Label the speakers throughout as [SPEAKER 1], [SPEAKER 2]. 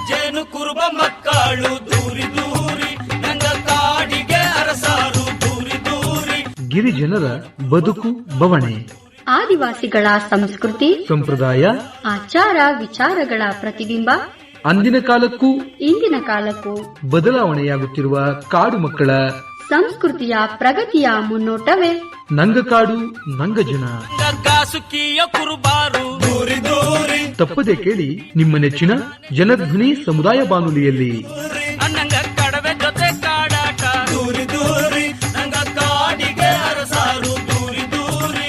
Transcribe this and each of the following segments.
[SPEAKER 1] ಜೇನು ಕುರುಬ ಮಕ್ಕಳು ದೂರಿ ದೂರಿ ನಂಗ ಕಾಡಿಗೆ ಅರಸಾರು ದೂರಿ ದೂರಿ.
[SPEAKER 2] ಗಿರಿಜನರ ಬದುಕು ಬವಣೆ,
[SPEAKER 3] ಆದಿವಾಸಿಗಳ ಸಂಸ್ಕೃತಿ ಸಂಪ್ರದಾಯ, ಆಚಾರ ವಿಚಾರಗಳ ಪ್ರತಿಬಿಂಬ.
[SPEAKER 2] ಅಂದಿನ ಕಾಲಕ್ಕೂ
[SPEAKER 3] ಇಂದಿನ ಕಾಲಕ್ಕೂ
[SPEAKER 2] ಬದಲಾವಣೆಯಾಗುತ್ತಿರುವ ಕಾಡು ಮಕ್ಕಳ
[SPEAKER 3] ಸಂಸ್ಕೃತಿಯ ಪ್ರಗತಿಯ ಮುನ್ನೋಟವೇ
[SPEAKER 2] ನಂಗಕಾಡು ನಂಗಜನ.
[SPEAKER 1] ಸುಖಿಯ ಕುರುಬಾರು ದೂರಿ ದೂರಿ.
[SPEAKER 2] ತಪ್ಪದೆ ಕೇಳಿ ನಿಮ್ಮ ನೆಚ್ಚಿನ ಜನಧ್ವನಿ ಸಮುದಾಯ ಬಾನುಲಿಯಲ್ಲಿ.
[SPEAKER 1] ನಂಗ ಕಡವೆ ಜೊತೆ ಕಾಡಾಟ ದೂರಿ ದೂರಿ ನಂಗ ಕಾಡಿಗೆ ಅರಸಾರು ದೂರಿ ದೂರಿ.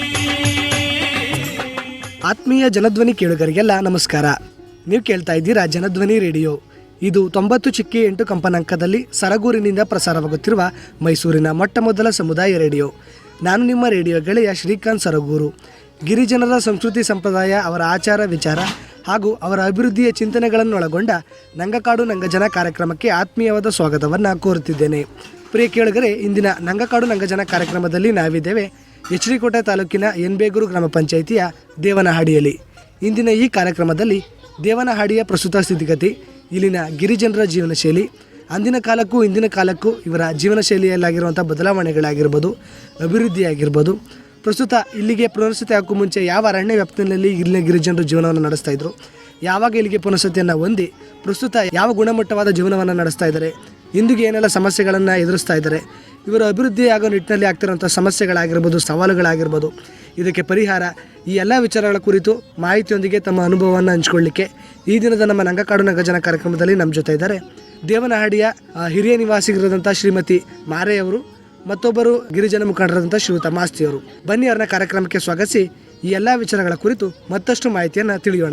[SPEAKER 4] ಆತ್ಮೀಯ ಜನಧ್ವನಿ ಕೇಳುಗರಿಗೆಲ್ಲ ನಮಸ್ಕಾರ. ನೀವು ಕೇಳ್ತಾ ಇದ್ದೀರಾ ಜನಧ್ವನಿ ರೇಡಿಯೋ. ಇದು 90.8 ಕಂಪನಾಂಕದಲ್ಲಿ ಸರಗೂರಿನಿಂದ ಪ್ರಸಾರವಾಗುತ್ತಿರುವ ಮೈಸೂರಿನ ಮೊಟ್ಟ ಮೊದಲ ಸಮುದಾಯ ರೇಡಿಯೋ. ನಾನು ನಿಮ್ಮ ರೇಡಿಯೋ ಗೆಳೆಯ ಶ್ರೀಕಾಂತ್ ಸರಗೂರು. ಗಿರಿಜನರ ಸಂಸ್ಕೃತಿ ಸಂಪ್ರದಾಯ, ಅವರ ಆಚಾರ ವಿಚಾರ ಹಾಗೂ ಅವರ ಅಭಿವೃದ್ಧಿಯ ಚಿಂತನೆಗಳನ್ನೊಳಗೊಂಡ ನಂಗಕಾಡು ನಂಗಜನ ಕಾರ್ಯಕ್ರಮಕ್ಕೆ ಆತ್ಮೀಯವಾದ ಸ್ವಾಗತವನ್ನು ಕೋರುತ್ತಿದ್ದೇನೆ. ಪ್ರಿಯ ಕೇಳುಗರೆ, ಇಂದಿನ ನಂಗಕಾಡು ನಂಗಜನ ಕಾರ್ಯಕ್ರಮದಲ್ಲಿ ನಾವಿದ್ದೇವೆ ಎಚ್.ಡಿ. ತಾಲೂಕಿನ ಎನ್ಬೇಗೂರು ಗ್ರಾಮ ಪಂಚಾಯಿತಿಯ ದೇವನಹಾಡಿಯಲ್ಲಿ. ಇಂದಿನ ಈ ಕಾರ್ಯಕ್ರಮದಲ್ಲಿ ದೇವನಹಾಡಿಯ ಪ್ರಸ್ತುತ ಸ್ಥಿತಿಗತಿ, ಇಲ್ಲಿನ ಗಿರಿಜನರ ಜೀವನ ಶೈಲಿ, ಅಂದಿನ ಕಾಲಕ್ಕೂ ಇಂದಿನ ಕಾಲಕ್ಕೂ ಇವರ ಜೀವನ ಶೈಲಿಯಲ್ಲಾಗಿರುವಂಥ ಬದಲಾವಣೆಗಳಾಗಿರ್ಬೋದು, ಅಭಿವೃದ್ಧಿಯಾಗಿರ್ಬೋದು, ಪ್ರಸ್ತುತ ಇಲ್ಲಿಗೆ ಪುನರ್ವಸತಿ ಹಾಕೋ ಮುಂಚೆ ಯಾವ ಅರಣ್ಯ ವ್ಯಾಪ್ತಿಯಲ್ಲಿ ಇಲ್ಲಿನ ಗಿರಿಜನರು ಜೀವನವನ್ನು ನಡೆಸ್ತಾ ಇದ್ರು, ಯಾವಾಗ ಇಲ್ಲಿಗೆ ಪುನರ್ವಸತಿಯನ್ನು ಹೊಂದಿ ಪ್ರಸ್ತುತ ಯಾವ ಗುಣಮಟ್ಟವಾದ ಜೀವನವನ್ನು ನಡೆಸ್ತಾ ಇದ್ದಾರೆ, ಇಂದಿಗೆ ಏನೆಲ್ಲ ಸಮಸ್ಯೆಗಳನ್ನು ಎದುರಿಸ್ತಾ ಇದ್ದಾರೆ, ಇವರ ಅಭಿವೃದ್ಧಿ ಆಗೋ ನಿಟ್ಟಿನಲ್ಲಿ ಆಗ್ತಿರೋಂಥ ಸಮಸ್ಯೆಗಳಾಗಿರ್ಬೋದು, ಸವಾಲುಗಳಾಗಿರ್ಬೋದು, ಇದಕ್ಕೆ ಪರಿಹಾರ, ಈ ಎಲ್ಲ ವಿಚಾರಗಳ ಕುರಿತು ಮಾಹಿತಿಯೊಂದಿಗೆ ತಮ್ಮ ಅನುಭವವನ್ನು ಹಂಚಿಕೊಳ್ಳಿಕ್ಕೆ ಈ ದಿನದ ನಮ್ಮ ನಂಗಕಾಡು ನಂಗಜನ ಕಾರ್ಯಕ್ರಮದಲ್ಲಿ ನಮ್ಮ ಜೊತೆ ಇದ್ದಾರೆ ದೇವನಹಾಡಿಯ ಹಿರಿಯ ನಿವಾಸಿಗರಾದಂಥ ಶ್ರೀಮತಿ ಮಾರೆಯವರು, ಮತ್ತೊಬ್ಬರು ಗಿರಿಜನ ಮುಖಂಡರಾದಂಥ ಶ್ರೀಯುತ ಮಾಸ್ತಿಯವರು. ಬನ್ನಿ ಅವರನ್ನ ಕಾರ್ಯಕ್ರಮಕ್ಕೆ ಸ್ವಾಗತಿಸಿ ಈ ಎಲ್ಲ ವಿಚಾರಗಳ ಕುರಿತು ಮತ್ತಷ್ಟು ಮಾಹಿತಿಯನ್ನು ತಿಳಿಯೋಣ.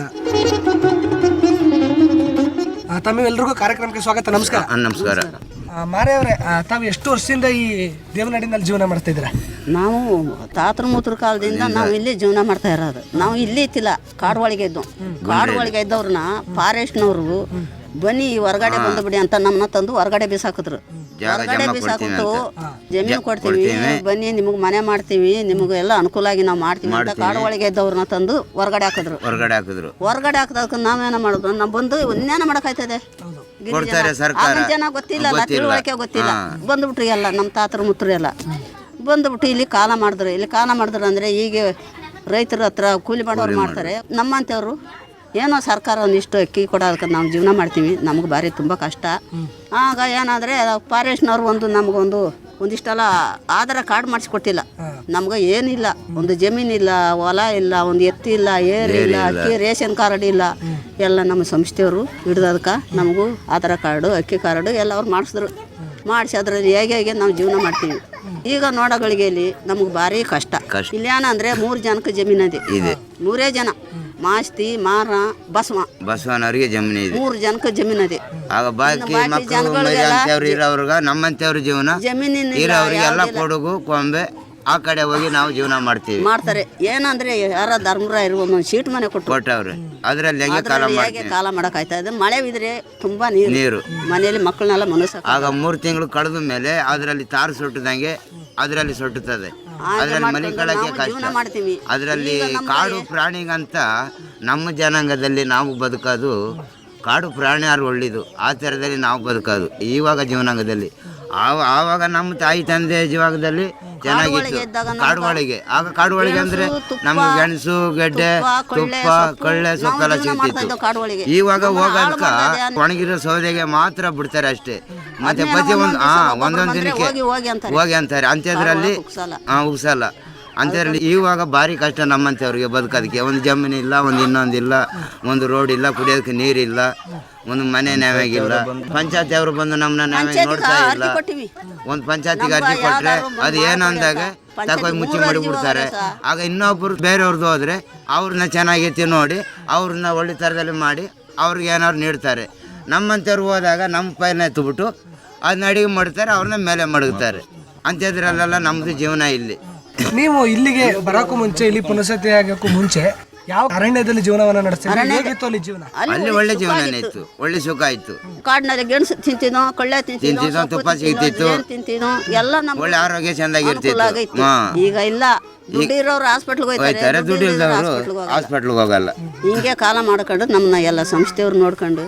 [SPEAKER 4] ತಮ್ಮೆಲ್ಲರಿಗೂ ಕಾರ್ಯಕ್ರಮಕ್ಕೆ ಸ್ವಾಗತ. ನಮಸ್ಕಾರ.
[SPEAKER 5] ನಮಸ್ಕಾರ.
[SPEAKER 4] ಮಾರೆಯವರೇ, ತಾವು ಎಷ್ಟು ವರ್ಷದಿಂದ ಈ ದೇವನಹಳ್ಳಿನಲ್ಲಿ ಜೀವನ ಮಾಡ್ತಾ ಇದ್ದೀರಾ?
[SPEAKER 6] ನಾವು ತಾತನ ಮೂತ್ರ ಕಾಲದಿಂದ ನಾವು ಇಲ್ಲಿ ಜೀವನ ಮಾಡ್ತಾ ಇರೋದು. ನಾವು ಇಲ್ಲಿ ಇತ್ತಿಲ್ಲ, ಕಾಡು ಒಳಗೆ ಇದ್ದು. ಕಾಡು ಒಳಗೆ ಇದ್ದವ್ರನ್ನ ಫಾರೆಸ್ಟ್ನವರು ಬನ್ನಿ ಹೊರಗಡೆ ಬಂದು ಬಿಡಿ ಅಂತ ನಮ್ಮನ್ನ ತಂದು ಹೊರಗಡೆ ಬೀಸಾಕಿದ್ರು. ಹೊರಗಡೆ ಬೀಸಾಕಿಟ್ಟು ಜಮೀನು ಕೊಡ್ತೀವಿ, ಬನ್ನಿ ನಿಮಗೆ ಮನೆ ಮಾಡ್ತೀವಿ, ನಿಮಗೆ ಎಲ್ಲ ಅನುಕೂಲ ಆಗಿ ನಾವು ಮಾಡ್ತೀವಿ ಅಂತ ಕಾಡು ಒಳಗೆ ಇದ್ದವ್ರನ್ನ ತಂದು ಹೊರಗಡೆ ಹಾಕಿದ್ರು. ಹೊರಗಡೆ ಹಾಕಿದಾಗ ನಾವೇನ ಮಾಡಿದ್ರು, ನಾವು ಬಂದು ಇನ್ನೇನ ಮಾಡಕ್ಕಾಯ್ತದೆ, ಆಗಿನ ಜನ ಗೊತ್ತಿಲ್ಲ, ತಿಳುವಳಿಕೆ ಗೊತ್ತಿಲ್ಲ, ಬಂದ್ಬಿಟ್ರಿ ಎಲ್ಲ ನಮ್ಮ ತಾತರ ಮುತ್ರು ಎಲ್ಲ ಬಂದ್ಬಿಟ್ಟು ಇಲ್ಲಿ ಕಾಲ ಮಾಡಿದ್ರು. ಇಲ್ಲಿ ಕಾಲ ಮಾಡಿದ್ರು ಅಂದರೆ ಈಗ ರೈತರ ಹತ್ರ ಕೂಲಿ ಮಾಡೋರು ಮಾಡ್ತಾರೆ. ನಮ್ಮಂಥವ್ರು ಏನೋ ಸರ್ಕಾರ ಒಂದಿಷ್ಟು ಅಕ್ಕಿ ಕೊಡೋದಕ್ಕೆ ನಾವು ಜೀವನ ಮಾಡ್ತೀವಿ. ನಮಗೆ ಭಾರಿ ತುಂಬ ಕಷ್ಟ. ಆಗ ಏನಾದರೆ ಫಾರೆಸ್ಟ್ನವ್ರು ಒಂದಿಷ್ಟೆಲ್ಲ ಆಧಾರ ಕಾರ್ಡ್ ಮಾಡಿಸ್ಕೊಟ್ಟಿಲ್ಲ ನಮ್ಗೆ. ಏನಿಲ್ಲ, ಒಂದು ಜಮೀನಿಲ್ಲ, ಹೊಲ ಇಲ್ಲ, ಒಂದು ಎತ್ತಿಲ್ಲ, ಏರಿಲ್ಲ, ಅಕ್ಕಿ ರೇಷನ್ ಕಾರ್ಡ್ ಇಲ್ಲ. ಎಲ್ಲ ನಮ್ಮ ಸಂಸ್ಥೆಯವರು ಹಿಡ್ದದಕ್ಕೆ ನಮಗೂ ಆಧಾರ ಕಾರ್ಡು, ಅಕ್ಕಿ ಕಾರ್ಡು ಎಲ್ಲ ಅವ್ರು ಮಾಡಿಸಿದ್ರು. ಮಾಡಿಸಿ ಅದರಲ್ಲಿ ಹೇಗೆ ನಾವು ಜೀವನ ಮಾಡ್ತೀವಿ. ಈಗ ನೋಡಗಳಿಗೆಯಲ್ಲಿ ನಮಗೆ ಭಾರಿ ಕಷ್ಟ. ಇಲ್ಲಿ ಏನಂದರೆ 3 ಜನಕ್ಕೆ ಜಮೀನು ಇದೆ. 3 ಜನ, ಮಾಸ್ತಿ, ಮಾರ,
[SPEAKER 5] ಬಸವನವರಿಗೆ ಜಮೀನು ಇದೆ.
[SPEAKER 6] 3 ಜನಕ್ಕೆ ಜಮೀನು ಇದೆ.
[SPEAKER 5] ನಮ್ಮಂತವ್ರ ಜೀವನ ಇರೋರಿಗೆಲ್ಲ ಕೊಡಗು ಕೊಂಬೆ ಆ ಕಡೆ ಹೋಗಿ ನಾವು ಜೀವನ ಮಾಡ್ತಾರೆ.
[SPEAKER 6] ಏನಂದ್ರೆ ಯಾರ ಧರ್ಮರಾಯರು ಒಂದೊಂದು ಶೀಟ್ ಮನೆ ಕೊಟ್ಟವ್ರೆ.
[SPEAKER 5] ಅದರಲ್ಲಿ
[SPEAKER 6] ಕಾಲ ಮಾಡಕ್ಕಾಯ್ತಾ ಇದೆ. ಮಳೆ ಬಿದ್ರೆ ತುಂಬಾ ನೀರು ಮನೆಯಲ್ಲಿ ಮಕ್ಕಳನ್ನೆಲ್ಲ ಮನಸ್ಸು.
[SPEAKER 5] ಆಗ 3 ತಿಂಗಳು ಕಳೆದ ಮೇಲೆ ಅದರಲ್ಲಿ ತಾರು ಸುಟ್ಟದಂಗೆ ಅದರಲ್ಲಿ ಸುಟ್ಟುತ್ತದೆ. ಅದರಲ್ಲಿ ಮಲಿಕಳಕ್ಕೆ ಕಷ್ಟ. ಅದರಲ್ಲಿ ಕಾಡು ಪ್ರಾಣಿಗಂತ ನಮ್ಮ ಜನಾಂಗದಲ್ಲಿ ನಾವು ಬದುಕೋದು, ಕಾಡು ಪ್ರಾಣಿ ಯಾರು ಒಳ್ಳೆಯದು ಆ ಥರದಲ್ಲಿ ನಾವು ಬದುಕೋದು ಇವಾಗ ಜೀವನಾಂಗದಲ್ಲಿ. ಆವಾಗ ನಮ್ಮ ತಾಯಿ ತಂದೆ ಜೀವನದಲ್ಲಿ ಚೆನ್ನಾಗಿತ್ತು ಕಾಡು ಒಳಗೆ. ಆಗ ಕಾಡು ಒಳಗೆ ಅಂದ್ರೆ ನಮ್ಗೆ ಗೆಣಸು, ಗೆಡ್ಡೆ, ತುಪ್ಪ, ಕಳ್ಳೆ, ಸೊಕ್ಕೆಲ್ಲ ಸಿಗ್ತಿತ್ತು. ಇವಾಗ ಹೋಗೋದಕ್ಕ ಒಣಗಿರೋ ಸೌದೆಗೆ ಮಾತ್ರ ಬಿಡ್ತಾರೆ ಅಷ್ಟೇ. ಮತ್ತೆ ಪ್ರತಿ ಒಂದೊಂದು ದಿನಕ್ಕೆ ಹೋಗಿ ಅಂತಾರೆ. ಅಂಥದ್ರಲ್ಲಿ ಉಗ್ಸಲ್ಲ. ಅಂಥದ್ರಲ್ಲಿ ಇವಾಗ ಭಾರಿ ಕಷ್ಟ ನಮ್ಮಂಥವ್ರಿಗೆ ಬದುಕೋದಕ್ಕೆ. ಒಂದು ಜಮೀನಿಲ್ಲ, ಒಂದು ಇನ್ನೊಂದಿಲ್ಲ, ಒಂದು ರೋಡ್ ಇಲ್ಲ, ಕುಡಿಯೋದಕ್ಕೆ ನೀರಿಲ್ಲ, ಒಂದು ಮನೆ ನ್ಯಾಯಾಗಿಲ್ಲ. ಪಂಚಾಯತಿ ಅವರು ಬಂದು ನಮ್ಮನ್ನ ನ್ಯಾಯ ನೋಡ್ತಾ ಇಲ್ಲ. ಒಂದು ಪಂಚಾಯತಿಗೆ ಅರ್ಜಿ ಕೊಟ್ಟರೆ ಅದು ಏನು ಅಂದಾಗ ತಗೊಂಡು ಮುಚ್ಚಿ ಮಾಡಿಬಿಡ್ತಾರೆ. ಆಗ ಇನ್ನೊಬ್ಬರು ಬೇರೆಯವ್ರದ್ದು ಹೋದರೆ ಅವ್ರನ್ನ ಚೆನ್ನಾಗೈತಿ ನೋಡಿ ಅವ್ರನ್ನ ಒಳ್ಳೆ ಥರದಲ್ಲಿ ಮಾಡಿ ಅವ್ರಿಗೆ ಏನಾದ್ರು ನೀಡ್ತಾರೆ. ನಮ್ಮಂಥವ್ರು ಹೋದಾಗ ನಮ್ಮ ಪೈನ ಎತ್ತುಬಿಟ್ಟು ಅದನ್ನ ಅಡಿಗೆ ಮಾಡ್ತಾರೆ, ಅವ್ರನ್ನ ಮೇಲೆ ಮಡಗ್ತಾರೆ. ಅಂಥದ್ರಲ್ಲೆಲ್ಲ ನಮ್ಮದು ಜೀವನ ಇಲ್ಲಿ.
[SPEAKER 4] ನೀವು ಇಲ್ಲಿಗೆ ಬರೋಕ್ಕೂ ಮುಂಚೆ, ಇಲ್ಲಿ ಪುನರ್ವಸತಿ ಆಗೋಕ್ಕೂ ಮುಂಚೆ ಯಾವ ಅರಣ್ಯದಲ್ಲಿ ಜೀವನವನ್ನ ನಡೆಸ್ತೀವಿ? ಹೇಗಿತ್ತು ಅಲ್ಲಿ ಜೀವನ?
[SPEAKER 5] ಅಲ್ಲಿ ಒಳ್ಳೆ ಜೀವನ ಇತ್ತು, ಒಳ್ಳೆ ಸುಖ ಇತ್ತು.
[SPEAKER 6] ಕಾಡಿನಲ್ಲಿ ಗೆಣಸು ತಿಂತಿನೋ, ಕಳ್ಳೆ ತಿಂತಿನೋ,
[SPEAKER 5] ತುಪ್ಪ ಸಿಗ್ತಿತ್ತು,
[SPEAKER 6] ಎಲ್ಲ
[SPEAKER 5] ಒಳ್ಳೆ ಆರೋಗ್ಯ ಚೆಂದಾಗಿರ್ತಿತ್ತು.
[SPEAKER 6] ಈಗ ಇಲ್ಲ, ದುಡ್ಡಿರೋರು ಹಾಸ್ಪಿಟ್ಲ್ಗೆ ಹೋಗ್ತಾರೆ,
[SPEAKER 5] ದುಡ್ಡು ಇಲ್ದವರು ಹಾಸ್ಪಿಟ್ಲ್ಗೆ ಹೋಗಲ್ಲ.
[SPEAKER 6] ಹಿಂಗೆ ಕಾಲ ಮಾಡ್ಕೊಂಡು ನಮ್ಮನ್ನ ಎಲ್ಲ ಸಂಸ್ಥೆಯವ್ರು ನೋಡ್ಕೊಂಡು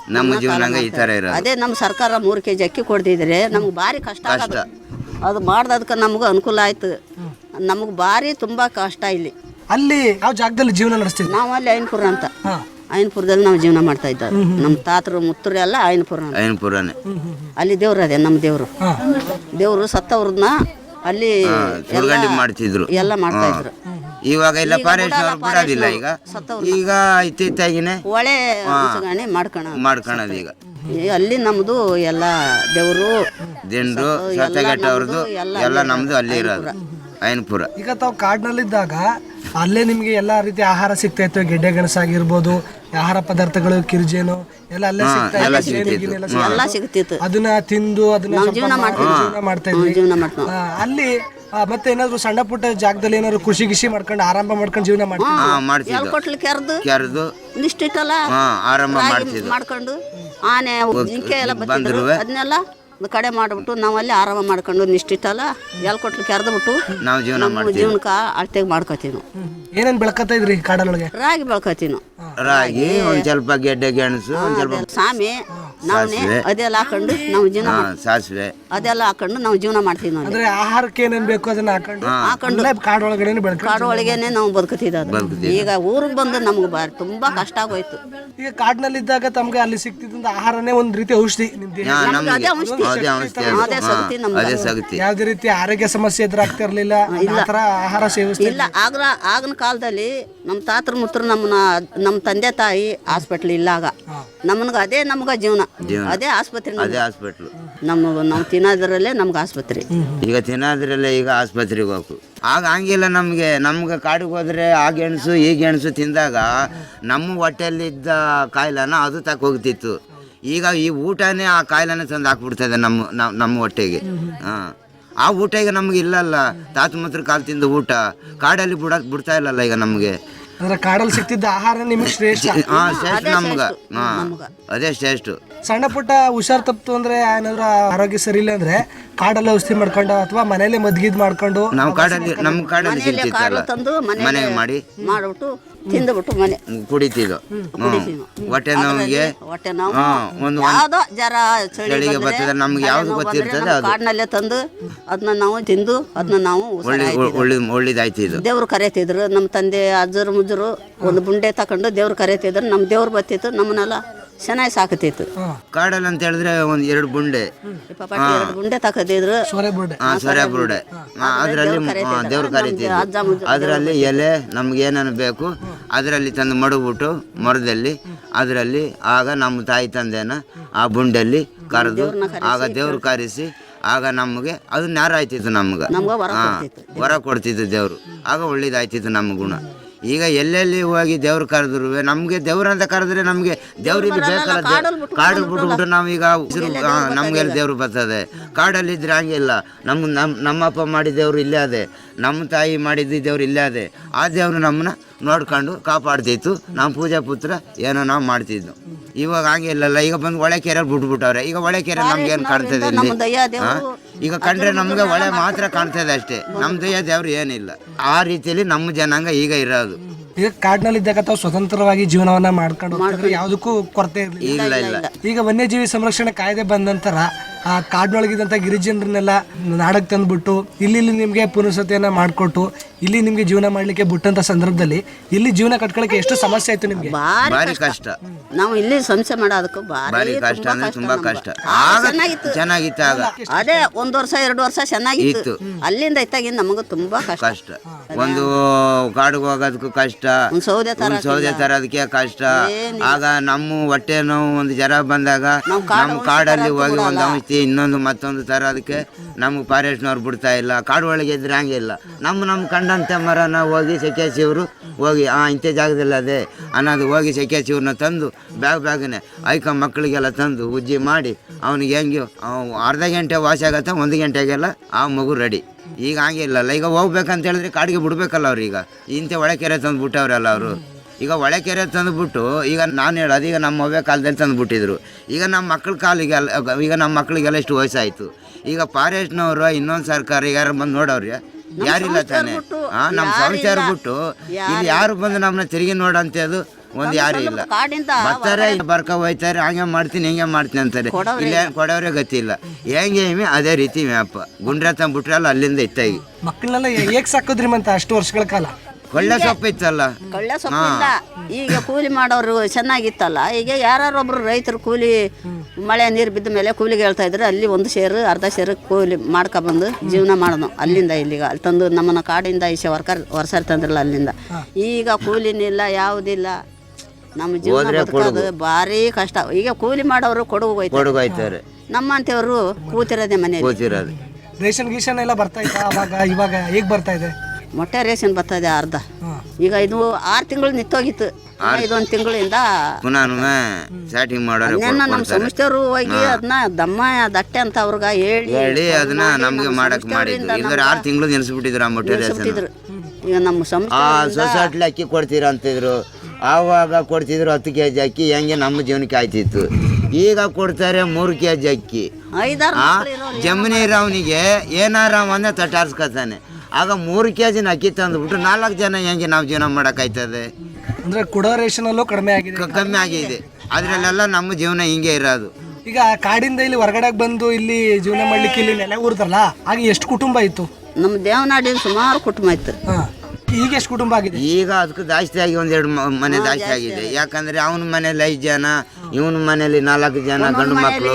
[SPEAKER 5] ನಮ್ಮ ಜೀವನ ಈ ಥರ ಇರೋದು.
[SPEAKER 6] ಅದೇ ನಮ್ಮ ಸರ್ಕಾರ 3 kg ಅಕ್ಕಿ ಕೊಡ್ತಿದ್ರೆ ನಮ್ಗೆ ಭಾರಿ ಕಷ್ಟ ಆಗೋದು. ಅದು ಮಾಡ್ದದಕ್ಕೆ ನಮಗೂ ಅನುಕೂಲ ಆಯ್ತು. ನಮಗೆ ಭಾರಿ ತುಂಬ ಕಷ್ಟ ಇಲ್ಲಿ.
[SPEAKER 4] ಅಲ್ಲಿ ಯಾವ ಜಾಗದಲ್ಲಿ ಜೀವನ ನಡೆಸ್ತಿದ್ವಿ?
[SPEAKER 6] ನಾವು ಅಲ್ಲಿ ಐನ್ಪುರ ಅಂತ, ಐನ್ಪುರದಲ್ಲಿ ನಾವು ಜೀವನ ಮಾಡ್ತಾ ಇದ್ದವು. ನಮ್ಮ ತಾತರು ಮುತ್ತರು ಎಲ್ಲ
[SPEAKER 5] ಐನ್ಪುರನೇ.
[SPEAKER 6] ಅಲ್ಲಿ ದೇವ್ರು ಅದೇ ನಮ್ಮ ದೇವರು ಸತ್ತವ್ರನ್ನ ಅಲ್ಲಿ
[SPEAKER 5] ಮಾಡ್ತಿದ್ರು,
[SPEAKER 6] ಎಲ್ಲ ಮಾಡ್ತಾ ಇದ್ರು.
[SPEAKER 5] ಇವಾಗ ಇಲ್ಲ, ಫಾರೆಸ್ಟ್ ಅವ್ರು ಬಿಡೋದಿಲ್ಲ ಈಗ ಇತ್ತಿತ್ತಾಗಿನೇ
[SPEAKER 6] ಒಳ್ಳೆ ಉಚ್ಚಗಾಣಿ
[SPEAKER 5] ಮಾಡ್ಕೊಳೋದು. ಈಗ
[SPEAKER 6] ಅಲ್ಲಿ ನಮ್ದು ಎಲ್ಲ ದೇವರು
[SPEAKER 5] ದಿಂಡ್ರು ಸತ್ತಗೆಟ್ಟವ್ರದ್ದು ಎಲ್ಲ ನಮ್ದು ಅಲ್ಲಿ ಇರೋದು ಐನ್ಪುರ.
[SPEAKER 4] ಈಗ ತಾವು ಕಾಡಿನಲ್ಲಿದ್ದಾಗ ಅಲ್ಲೇ ನಿಮ್ಗೆ ಎಲ್ಲಾ ರೀತಿ ಆಹಾರ ಸಿಗ್ತಾ ಇತ್ತು, ಗೆಡ್ಡೆ ಗೆಣಸಾಗಿರ್ಬೋದು, ಆಹಾರ ಪದಾರ್ಥಗಳು, ಕಿರ್ಜೇನು ಎಲ್ಲ ಅಲ್ಲೇ ಸಿಗ್ತಾ
[SPEAKER 6] ಎಲ್ಲ ಸಿಗ್ತಿತ್ತು.
[SPEAKER 4] ಅದನ್ನ ತಿಂದು ಅದನ್ನ ಜೀವನ ಮಾಡ್ತಾ ಇದ್ವಿ. ಅಲ್ಲಿ ಮತ್ತೆ ಏನಾದ್ರು ಸಣ್ಣ ಪುಟ್ಟ ಜಾಗದಲ್ಲಿ ಏನಾದ್ರು ಕೃಷಿ ಗಿಷಿ ಮಾಡ್ಕೊಂಡು ಆರಂಭ ಮಾಡ್ಕೊಂಡು ಜೀವನ
[SPEAKER 6] ಮಾಡ್ತಿದ್ವಿ. ಕೊಟ್ಲು ಕೆರೆದು ನಿಷ್ಟಿಟ್ಟಲ್ಲ
[SPEAKER 5] ಆರಂಭ
[SPEAKER 6] ಮಾಡ್ಕೊಂಡು ಆನೆ ಜಿಂಕೆ ಎಲ್ಲ ಬಂದಿದ್ರು, ಅದನ್ನೆಲ್ಲ ಕಡೆ ಮಾಡ್ಬಿಟ್ಟು ನಾವು ಅಲ್ಲಿ ಆರಾಮ ಮಾಡ್ಕೊಂಡು ನಿಷ್ಟಿಟ್ಟಲ್ಲ ಕೊಟ್ಲು ಕೆರೆದ್ಬಿಟ್ಟು
[SPEAKER 5] ನಾವು
[SPEAKER 6] ಜೀವನಕ್ಕೆ ಅಳ್ತೆಗೆ ಮಾಡ್ಕೋತೀವಿ ನಾವು.
[SPEAKER 4] ಏನೇನ್ ಬೆಳ್ಕತ್ತಾ ಇದ್ರಿ ಕಾಡೊಳಗೆ?
[SPEAKER 6] ರಾಗಿ ಬೆಳ್ಕೋತೀವಿ ನಾವು.
[SPEAKER 5] ರಾಗಿ, ಒಂದ್ ಸ್ವಲ್ಪ ಗೆಡ್ಡೆ ಗೆಣಸು, ಒಂದ್ ಸ್ವಲ್ಪ
[SPEAKER 6] ಸಾಮೆ, ನವಣೆ ಅದೆಲ್ಲ ಹಾಕೊಂಡು ನಾವು ಜೀವನ
[SPEAKER 5] ಸಾಸಿವೆ
[SPEAKER 6] ಅದೆಲ್ಲ ಹಾಕೊಂಡು ನಾವು ಜೀವನ ಮಾಡ್ತೀವಿ ನಾವು.
[SPEAKER 4] ಅಂದ್ರೆ ಆಹಾರಕ್ಕೆ ಏನೇನ್ ಬೇಕು ಅದನ್ನ ಹಾಕೊಂಡು ಕಾಡೊಳಗಡೆ
[SPEAKER 6] ಕಾಡೊಳಗೇನೆ ನಾವು ಬದುಕುತ್ತಿದ್ದು. ಈಗ ಊರಿಗೆ ಬಂದು ನಮ್ಗೆ ತುಂಬಾ ಕಷ್ಟ ಆಗೋಯ್ತು.
[SPEAKER 4] ಈಗ ಕಾಡಿನಲ್ಲಿದ್ದಾಗ ತಮ್ಗೆ ಅಲ್ಲಿ ಸಿಕ್ತಿದ್ದ ಆಹಾರನೇ ಒಂದ್ ರೀತಿ ಔಷಧಿ. ನಿಮ್ ದೇಹ
[SPEAKER 6] ಅದೇ
[SPEAKER 5] ಸಗತಿ.
[SPEAKER 4] ಯಾವ್ದೇ ರೀತಿ ಆರೋಗ್ಯ ಸಮಸ್ಯೆ ಎದುರಾಗ್ತಾ ಇರ್ಲಿಲ್ಲ, ಆತರ ಆಹಾರ ಸೇವಿಸ್ತಾ
[SPEAKER 6] ಇಲ್ಲ. ಆಗಿನ ಕಾಲದಲ್ಲಿ ನಮ್ಮ ತಾತರ ಮುತ್ರ ನಮ್ಮ ತಂದೆ ತಾಯಿ ಹಾಸ್ಪಿಟ್ಲ್ ಇಲ್ಲಾಗ ನಮ್ಗೆ ಅದೇ ನಮ್ಗ ಜೀವನ, ಅದೇ ಆಸ್ಪತ್ರೆ, ನಾವು ತಿನ್ನೋದ್ರಲ್ಲೇ ನಮ್ಗೆ ಆಸ್ಪತ್ರೆ.
[SPEAKER 5] ಈಗ ತಿನ್ನೋದ್ರಲ್ಲೇ ಈಗ ಆಸ್ಪತ್ರೆಗೆ ಹೋಗು. ಆಗ ಹಂಗಿಲ್ಲ, ನಮ್ಗೆ ಕಾಡಿಗೆ ಹೋದ್ರೆ ಆ ಗೆಣಸು ಈ ಗೆಣಸು ತಿಂದಾಗ ನಮ್ಮ ಹೊಟ್ಟೆಯಲ್ಲಿದ್ದ ಕಾಯಿಲೆನ ಅದು ತಕ್ಕ ಹೋಗ್ತಿತ್ತು. ಈಗ ಈ ಊಟನೇ ಆ ಕಾಯಿಲೆನ ತಂದು ಹಾಕ್ಬಿಡ್ತದೆ ನಮ್ಮ ಹೊಟ್ಟೆಗೆ. ಆ ಊಟ ಈಗ ನಮ್ಗೆ ಇಲ್ಲಲ್ಲ. ತಾತ ಮಾತ್ರ ಕಾಲು ತಿಂದ ಊಟ ಕಾಡಲ್ಲಿ ಬಿಡ್ತಾ ಇಲ್ಲಲ್ಲ ಈಗ ನಮ್ಗೆ.
[SPEAKER 4] ಅಂದ್ರೆ ಕಾಡಲ್ಲಿ ಸಿಕ್ತಿದ್ದ ಆಹಾರ ನಿಮಗೆ ಶ್ರೇಷ್ಠ.
[SPEAKER 5] ಶ್ರೇಷ್ಠ ನಮ್ಗೆ, ಅದೇ ಶ್ರೇಷ್ಠ.
[SPEAKER 4] ಸಣ್ಣ ಪುಟ್ಟ ಹುಷಾರ್ ತಪ್ತು ಅಂದ್ರೆ ಏನಾದ್ರು ಆರೋಗ್ಯ ಸರಿ ಇಲ್ಲ ಅಂದ್ರೆ ಕಾಡಲ್ಲಿ ಔಷಧಿ ಮಾಡ್ಕೊಂಡು ಅಥವಾ ಮನೇಲಿ ಮದ್ಗಿದ್ ಮಾಡ್ಕೊಂಡು
[SPEAKER 5] ನಾವು ನಮ್ಮ ಕಾಡಲ್ಲಿ ಸಿಗ್ತಿತ್ತಲ್ಲ, ಮನೆಗೆ ಮಾಡಿ
[SPEAKER 6] ಮಾಡ್ಬಿಟ್ಟು ತಿಂದ್ಬಿಟ್ಟು ಮನೆ
[SPEAKER 5] ಕುಡಿತಿದ್ದು. ಹೊಟ್ಟೆ ನೋವಿಗೆ ಒಂದು ಚಳಿಗೆ ಬರ್ತದೆ, ನಮ್ಗೆ ಯಾವ್ದು ಗೊತ್ತಿರ್ತದೆ ಅದು
[SPEAKER 6] ಕಾಡಿನಲ್ಲೇ ತಂದು ಅದನ್ನ ನಾವು ತಿಂದು ಅದನ್ನ ನಾವು
[SPEAKER 5] ಒಳ್ಳೇದಾಯ್ತಿದ್ದು.
[SPEAKER 6] ದೇವ್ರು ಕರೆತಿದ್ರು ನಮ್ಮ ತಂದೆ ಅಜ್ಜರು ಮುಜ್ಜರು. ಒಂದು ಬುಂಡೆ ತಕೊಂಡು ದೇವ್ರು ಕರೆತಿದ್ರು. ನಮ್ಮ ದೇವ್ರು ಬರ್ತಿತ್ತು, ನಮ್ಮನ್ನೆಲ್ಲ ಚೆನ್ನಾಗಿ ಸಾಕತಿತ್ತು.
[SPEAKER 5] ಕಾಡಲ್ಲಿ ಅಂತ ಹೇಳಿದ್ರೆ ಒಂದ್ 2 ಬುಂಡೆ
[SPEAKER 6] 2 ಬುಂಡೆ ತಕದಿದ್ರು,
[SPEAKER 5] ಸೊರೆ ಬುರುಡೆ. ಅದರಲ್ಲಿ ದೇವ್ರು ಕರೀತಿದ್ರು. ಅದರಲ್ಲಿ ಎಲೆ ನಮ್ಗೆ ಏನೇನು ಬೇಕು ಅದರಲ್ಲಿ ತಂದು ಮಡಗ್ಬಿಟ್ಟು ಮರದಲ್ಲಿ ಅದರಲ್ಲಿ ಆಗ ನಮ್ಮ ತಾಯಿ ತಂದೆನ ಆ ಬುಂಡೆಲ್ಲಿ ಕರೆದು ಆಗ ದೇವ್ರು ಕರೆಸಿ ಆಗ ನಮಗೆ ಅದು ನ್ಯಾರ ಆಯ್ತಿತ್ತು. ನಮ್ಗೆ ವರ ಕೊಡ್ತಿತ್ತು ದೇವ್ರು. ಆಗ ಒಳ್ಳೇದಾಯ್ತಿತ್ತು ನಮ್ಮ ಗುಣ. ಈಗ ಎಲ್ಲೆಲ್ಲಿ ಹೋಗಿ ದೇವ್ರು ಕರೆದ್ರು ನಮ್ಗೆ ದೇವ್ರಂತ ಕರೆದ್ರೆ ನಮ್ಗೆ ದೇವ್ರಿಗೆ ಬೇಕಲ್ಲ. ಕಾಡು ಬಿಟ್ಬಿಟ್ಟು ನಾವೀಗ ನಮ್ಗೆ ದೇವ್ರು ಬರ್ತದೆ. ಕಾಡಲ್ಲಿ ಇದ್ರೆ ಹಂಗಿಲ್ಲ. ನಮ್ಮಪ್ಪ ಮಾಡಿದ ದೇವ್ರು ಇಲ್ಲೇ ಅದೇ, ನಮ್ಮ ತಾಯಿ ಮಾಡಿದ ದೇವ್ರು ಇಲ್ಲೇ ಅದೇ. ಆ ದೇವ್ರು ನಮ್ಮನ್ನ ನೋಡ್ಕೊಂಡು ಕಾಪಾಡ್ತಿತ್ತು. ನಮ್ಮ ಪೂಜಾ ಪುತ್ರ ಏನೋ ನಾವು ಮಾಡ್ತಿದ್ವು. ಇವಾಗ ಹಂಗೆ ಇಲ್ಲಲ್ಲ. ಈಗ ಬಂದು ಒಳೆ ಕೆರೆಯಲ್ಲಿ ಬಿಟ್ಬಿಟ್ಟವ್ರೆ. ಈಗ ಒಳೆ ಕೆರೆ ನಮ್ಗೆ ಏನು ಕಾಣ್ತದೆ ಇಲ್ಲಿ? ಈಗ ಕಂಡ್ರೆ ನಮ್ಗೆ ಒಳೆ ಮಾತ್ರ ಕಾಣ್ತದೆ ಅಷ್ಟೇ. ನಮ್ಮ ದಯ್ಯ ದೇವ್ರು ಏನಿಲ್ಲ. ಆ ರೀತಿಯಲ್ಲಿ ನಮ್ಮ ಜನಾಂಗ ಈಗ ಇರೋದು.
[SPEAKER 4] ಈಗ ಕಾಡಿನಲ್ಲಿದ್ದಾಗ ತಾವು ಸ್ವತಂತ್ರವಾಗಿ ಜೀವನವನ್ನ ಮಾಡ್ಕೊಂಡು ಯಾವುದಕ್ಕೂ ಕೊರತೆ ಇರಲಿಲ್ಲ. ಈಗ ವನ್ಯಜೀವಿ ಸಂರಕ್ಷಣೆ ಕಾಯ್ದೆ ಬಂದ ನಂತರ ಆ ಕಾಡಿನೊಳಗಿದಂಥ ಗಿರಿಜನರನ್ನೆಲ್ಲ ನಾಡಕ್ಕೆ ತಂದ್ಬಿಟ್ಟು ಇಲ್ಲಿ ನಿಮಗೆ ಪುನರ್ವಸತಿಯನ್ನ ಮಾಡಿಕೊಟ್ಟು ಇಲ್ಲಿ ನಿಮ್ಗೆ ಜೀವನ ಮಾಡ್ಲಿಕ್ಕೆ ಬಿಟ್ಟಂತ ಸಂದರ್ಭದಲ್ಲಿ ಇಲ್ಲಿ ಜೀವನ ಕಟ್ಕೊಳ್ಳಕ್ಕೆ ಎಷ್ಟು ಸಮಸ್ಯೆ ಆಯ್ತು ನಿಮ್ಗೆ?
[SPEAKER 5] ಭಾರಿ ಕಷ್ಟ.
[SPEAKER 6] ನಾವು ಇಲ್ಲಿ ಸಂಸ್ಥೆ ಮಾಡೋದಕ್ಕೂ
[SPEAKER 5] ಭಾರಿ ಕಷ್ಟ ಅಂದ್ರೆ ತುಂಬಾ ಕಷ್ಟ. ಚೆನ್ನಾಗಿತ್ತು ಆಗ.
[SPEAKER 6] ಅದೇ 1 ವರ್ಷ 2 ವರ್ಷ ಚೆನ್ನಾಗಿತ್ತು. ಅಲ್ಲಿಂದ ಇತ್ತಾಗಿಂದ ನಮಗೂ ತುಂಬಾ ಕಷ್ಟ.
[SPEAKER 5] ಒಂದು ಕಾಡಿಗೆ ಹೋಗೋದಕ್ಕೂ ಕಷ್ಟ, ಸೌದೆ ತರೋದಕ್ಕೆ ಕಷ್ಟ. ಆಗ ನಮ್ಮ ಹೊಟ್ಟೆ ನೋವು ಒಂದು ಜರ ಬಂದಾಗ ನಮ್ಮ ಕಾಡಲ್ಲಿ ಹೋಗಿ ಒಂದು ಔಷಧಿ ಇನ್ನೊಂದು ಮತ್ತೊಂದು ತರೋದಕ್ಕೆ ನಮ್ಗೆ ಫಾರೆಸ್ಟ್ನವ್ರು ಬಿಡ್ತಾ ಇಲ್ಲ. ಕಾಡು ಒಳಗೆ ಇದ್ರೆ ಹಂಗೆ ಇಲ್ಲ. ನಮ್ಮ ಕಂಡಂತೆ ಮರನ ಹೋಗಿ ಸೆಕೆಸಿವ್ರು ಹೋಗಿ ಇಂಥ ಜಾಗದಲ್ಲಿ ಅದೇ ಅನ್ನೋದು ಹೋಗಿ ಸೆಕೆಸಿವ್ರನ್ನ ತಂದು ಬ್ಯಾಗ್ನೇ ಐಕ ಮಕ್ಕಳಿಗೆಲ್ಲ ತಂದು ಉಜ್ಜಿ ಮಾಡಿ ಅವನಿಗೆ ಹೆಂಗೆ ಅರ್ಧ ಗಂಟೆ ವಾಸಿ ಆಗತ್ತೆ, 1 ಗಂಟೆಗೆಲ್ಲ ಆ ಮಗು ರೆಡಿ. ಈಗ ಹಂಗೆ ಇಲ್ಲಲ್ಲ. ಈಗ ಹೋಗ್ಬೇಕಂತ ಹೇಳಿದ್ರೆ ಕಾಡಿಗೆ ಬಿಡ್ಬೇಕಲ್ಲ ಅವ್ರೀಗ. ಇಂಥ ಒಳಕೆರೆ ತಂದು ಬಿಟ್ಟವ್ರಲ್ಲ ಅವರು. ಈಗ ಒಳಕೆರೆ ತಂದುಬಿಟ್ಟು ಈಗ ನಾನು ಹೇಳೋದು ಈಗ ನಮ್ಮ ಅವ್ವೆ ಕಾಲದಲ್ಲಿ ತಂದುಬಿಟ್ಟಿದ್ರು. ಈಗ ನಮ್ಮ ಮಕ್ಕಳ ಕಾಲಿಗೆಲ್ಲ ಈಗ ನಮ್ಮ ಮಕ್ಕಳಿಗೆಲ್ಲ ಎಷ್ಟು ವಯಸ್ಸಾಯಿತು. ಈಗ ಫಾರೆಸ್ಟ್ನವರು ಇನ್ನೊಂದು ಸರ್ಕಾರ ಯಾರು ಬಂದು ನೋಡವ್ರಿ? ಯಾರಿಲ್ಲ ತಾನೆ. ನಮ್ಮ ಸಂಸಾರ ಬಿಟ್ಟು ಇಲ್ಲಿ ಯಾರು ಬಂದು ನಮ್ಮನ್ನ ತಿರುಗಿ ನೋಡಂಥದ್ದು ಒಂದು ಯಾರು ಇಲ್ಲ.
[SPEAKER 6] ಕಾಡಿಂದ
[SPEAKER 5] ಬರ್ತಾರೆ ಬರ್ಕ ಹೋಯ್ತಾರೆ, ಹಂಗೆ ಮಾಡ್ತೀನಿ ಹಿಂಗೆ ಮಾಡ್ತೀನಿ ಅಂತಾರೆ. ಇಲ್ಲೇ ಕೊಡೋರೇ ಗತಿ ಇಲ್ಲ. ಹೆಂಗೆ ಅದೇ ರೀತಿ ವ್ಯಾಪ ಗುಂಡ್ರೆ ತಂದ್ಬಿಟ್ರೆ ಅಲ್ಲ ಅಲ್ಲಿಂದ ಇತ್ತಾಗಿ
[SPEAKER 4] ಮಕ್ಕಳನ್ನೆಲ್ಲ ಹೇಗೆ ಸಾಕೋದ್ರಿ ಮತ್ತೆ ಅಷ್ಟು ವರ್ಷಗಳ ಕಾಲ?
[SPEAKER 5] ಕೊಳ್ಳೆ ಸೊಪ್ಪು ಇತ್ತಲ್ಲ,
[SPEAKER 6] ಕೊಳ್ಳೆ ಸೊಪ್ಪಿಂದ ಈಗ ಕೂಲಿ ಮಾಡೋರು ಚೆನ್ನಾಗಿತ್ತಲ್ಲ. ಈಗ ಯಾರೊಬ್ರು ರೈತರು ಕೂಲಿ ಮಳೆ ನೀರು ಬಿದ್ದ ಮೇಲೆ ಕೂಲಿಗೆ ಹೇಳ್ತಾ ಇದ್ರು. ಅಲ್ಲಿ ಒಂದು ಸೇರು ಅರ್ಧ ಸೇರು ಕೂಲಿ ಮಾಡ್ಕೊಬಂದು ಜೀವನ ಮಾಡೋದು. ಅಲ್ಲಿಂದ ಇಲ್ಲಿಗ ಅಲ್ಲಿ ತಂದು ನಮ್ಮನ್ನ ಕಾಡಿಂದ ಈಸೆ ವರ್ಷಾರಿ ತಂದ್ರಲ್ಲ ಅಲ್ಲಿಂದ. ಈಗ ಕೂಲಿನಿಲ್ಲ ಯಾವುದಿಲ್ಲ. ನಮ್ಮ ಜೀವನ ಬದುಕೋದು ಭಾರಿ ಕಷ್ಟ. ಈಗ ಕೂಲಿ ಮಾಡೋರು ಕೊಡಗು
[SPEAKER 5] ಹೋಯ್ತಾರೆ,
[SPEAKER 6] ನಮ್ಮಂತೇವರು ಕೂತಿರೋದೇ ಮನೆಯಲ್ಲಿ
[SPEAKER 5] ಕೂತಿರೋದು.
[SPEAKER 4] ರೇಷನ್ ಗೀಷನ್ ಎಲ್ಲ ಬರ್ತಾ ಇತ್ತಾ ಅವಾಗ? ಇವಾಗ ಹೇಗೆ ಬರ್ತಾ ಇದೆ?
[SPEAKER 6] ಮೊಟ್ಟೆ ರೇಷನ್ ಬರ್ತಾ ಇದೆ ಅರ್ಧ. ಈಗ ಇದು 6 ತಿಂಗಳು ನಿಂತೋಗಿತ್ತು. ಇದೊಂದು ತಿಂಗಳಿಂದ
[SPEAKER 5] ಪುನಃ ಸ್ಟಾರ್ಟಿಂಗ್ ಮಾಡೋರು
[SPEAKER 6] ನಮ್ಮ ಸಂಸ್ಥೆಯವರು ಹೋಗಿ ಅದನ್ನ ದಮ್ಮ ದಟ್ಟೆ ಅಂತ ಅವ್ರಿಗೆ
[SPEAKER 5] ಹೇಳಿ ಅದನ್ನ ನಮ್ಗೆ ಮಾಡಕ್ ಮಾಡಿದ್ರು. ಇಲ್ಲಾರೆ 6 ತಿಂಗಳು ನಿಲ್ಸ್ಬಿಟ್ಟಿದ್ರು ಆ ಮೊಟ್ಟೆ ರೇಷನ್.
[SPEAKER 6] ಈಗ ನಮ್ಮ
[SPEAKER 5] ಸೊಸೈಟಿ ಅಕ್ಕಿ ಕೊಡ್ತೀರ ಅಂತಿದ್ರು. ಆವಾಗ ಕೊಡ್ತಿದ್ರು 10 kg ಅಕ್ಕಿ, ಹೆಂಗೆ ನಮ್ಮ ಜೀವನಕ್ಕೆ ಆಯ್ತಿತ್ತು. ಈಗ ಕೊಡ್ತಾರೆ 3 kg ಅಕ್ಕಿ.
[SPEAKER 6] 5-6
[SPEAKER 5] ಜಮೀನಿ ರಾವ್ನಿಗೆ ಏನಾರ ಒಂದೇ ತಟ್ಟಾರ್ಸ್ಕೊತಾನೆ. ಆಗ 3 kg ಅಕ್ಕಿ ತಂದ್ಬಿಟ್ಟು 4 ಜನ ಹೆಂಗೆ ನಾವು ಜೀವನ ಮಾಡೋಕ್ಕಾಯ್ತದೆ?
[SPEAKER 4] ಅಂದ್ರೆ ಕೊಡೋ ರೇಷನ್ ಅಲ್ಲೂ ಕಡಿಮೆ ಆಗಿದೆ,
[SPEAKER 5] ಕಮ್ಮಿ ಆಗಿದೆ. ಅದ್ರಲ್ಲೆಲ್ಲ ನಮ್ಮ ಜೀವನ ಹಿಂಗೆ ಇರೋದು.
[SPEAKER 4] ಈಗ ಕಾಡಿಂದ ಇಲ್ಲಿ ಹೊರಗಡೆ ಬಂದು ಇಲ್ಲಿ ಜೀವನ ಮಾಡ್ಲಿಕ್ಕೆ ಇಲ್ಲಿ ನೆಲೆ ಊರ್ತಾರಲ್ಲ, ಆಗ ಎಷ್ಟು ಕುಟುಂಬ ಇತ್ತು?
[SPEAKER 6] ನಮ್ಮ ದೇವನಾಡಿನ ಸುಮಾರು ಕುಟುಂಬ ಇತ್ತು.
[SPEAKER 4] ಈಗ ಎಷ್ಟು ಕುಟುಂಬ ಆಗಿದೆ?
[SPEAKER 5] ಈಗ ಅದಕ್ಕೆ ಜಾಸ್ತಿ ಆಗಿ 1-2 ಮನೆ ಜಾಸ್ತಿ ಆಗಿದೆ. ಯಾಕಂದ್ರೆ ಅವನ ಮನೇಲಿ 5 ಜನ, ಇವನ ಮನೇಲಿ 4 ಜನ ಗಂಡು ಮಕ್ಕಳು,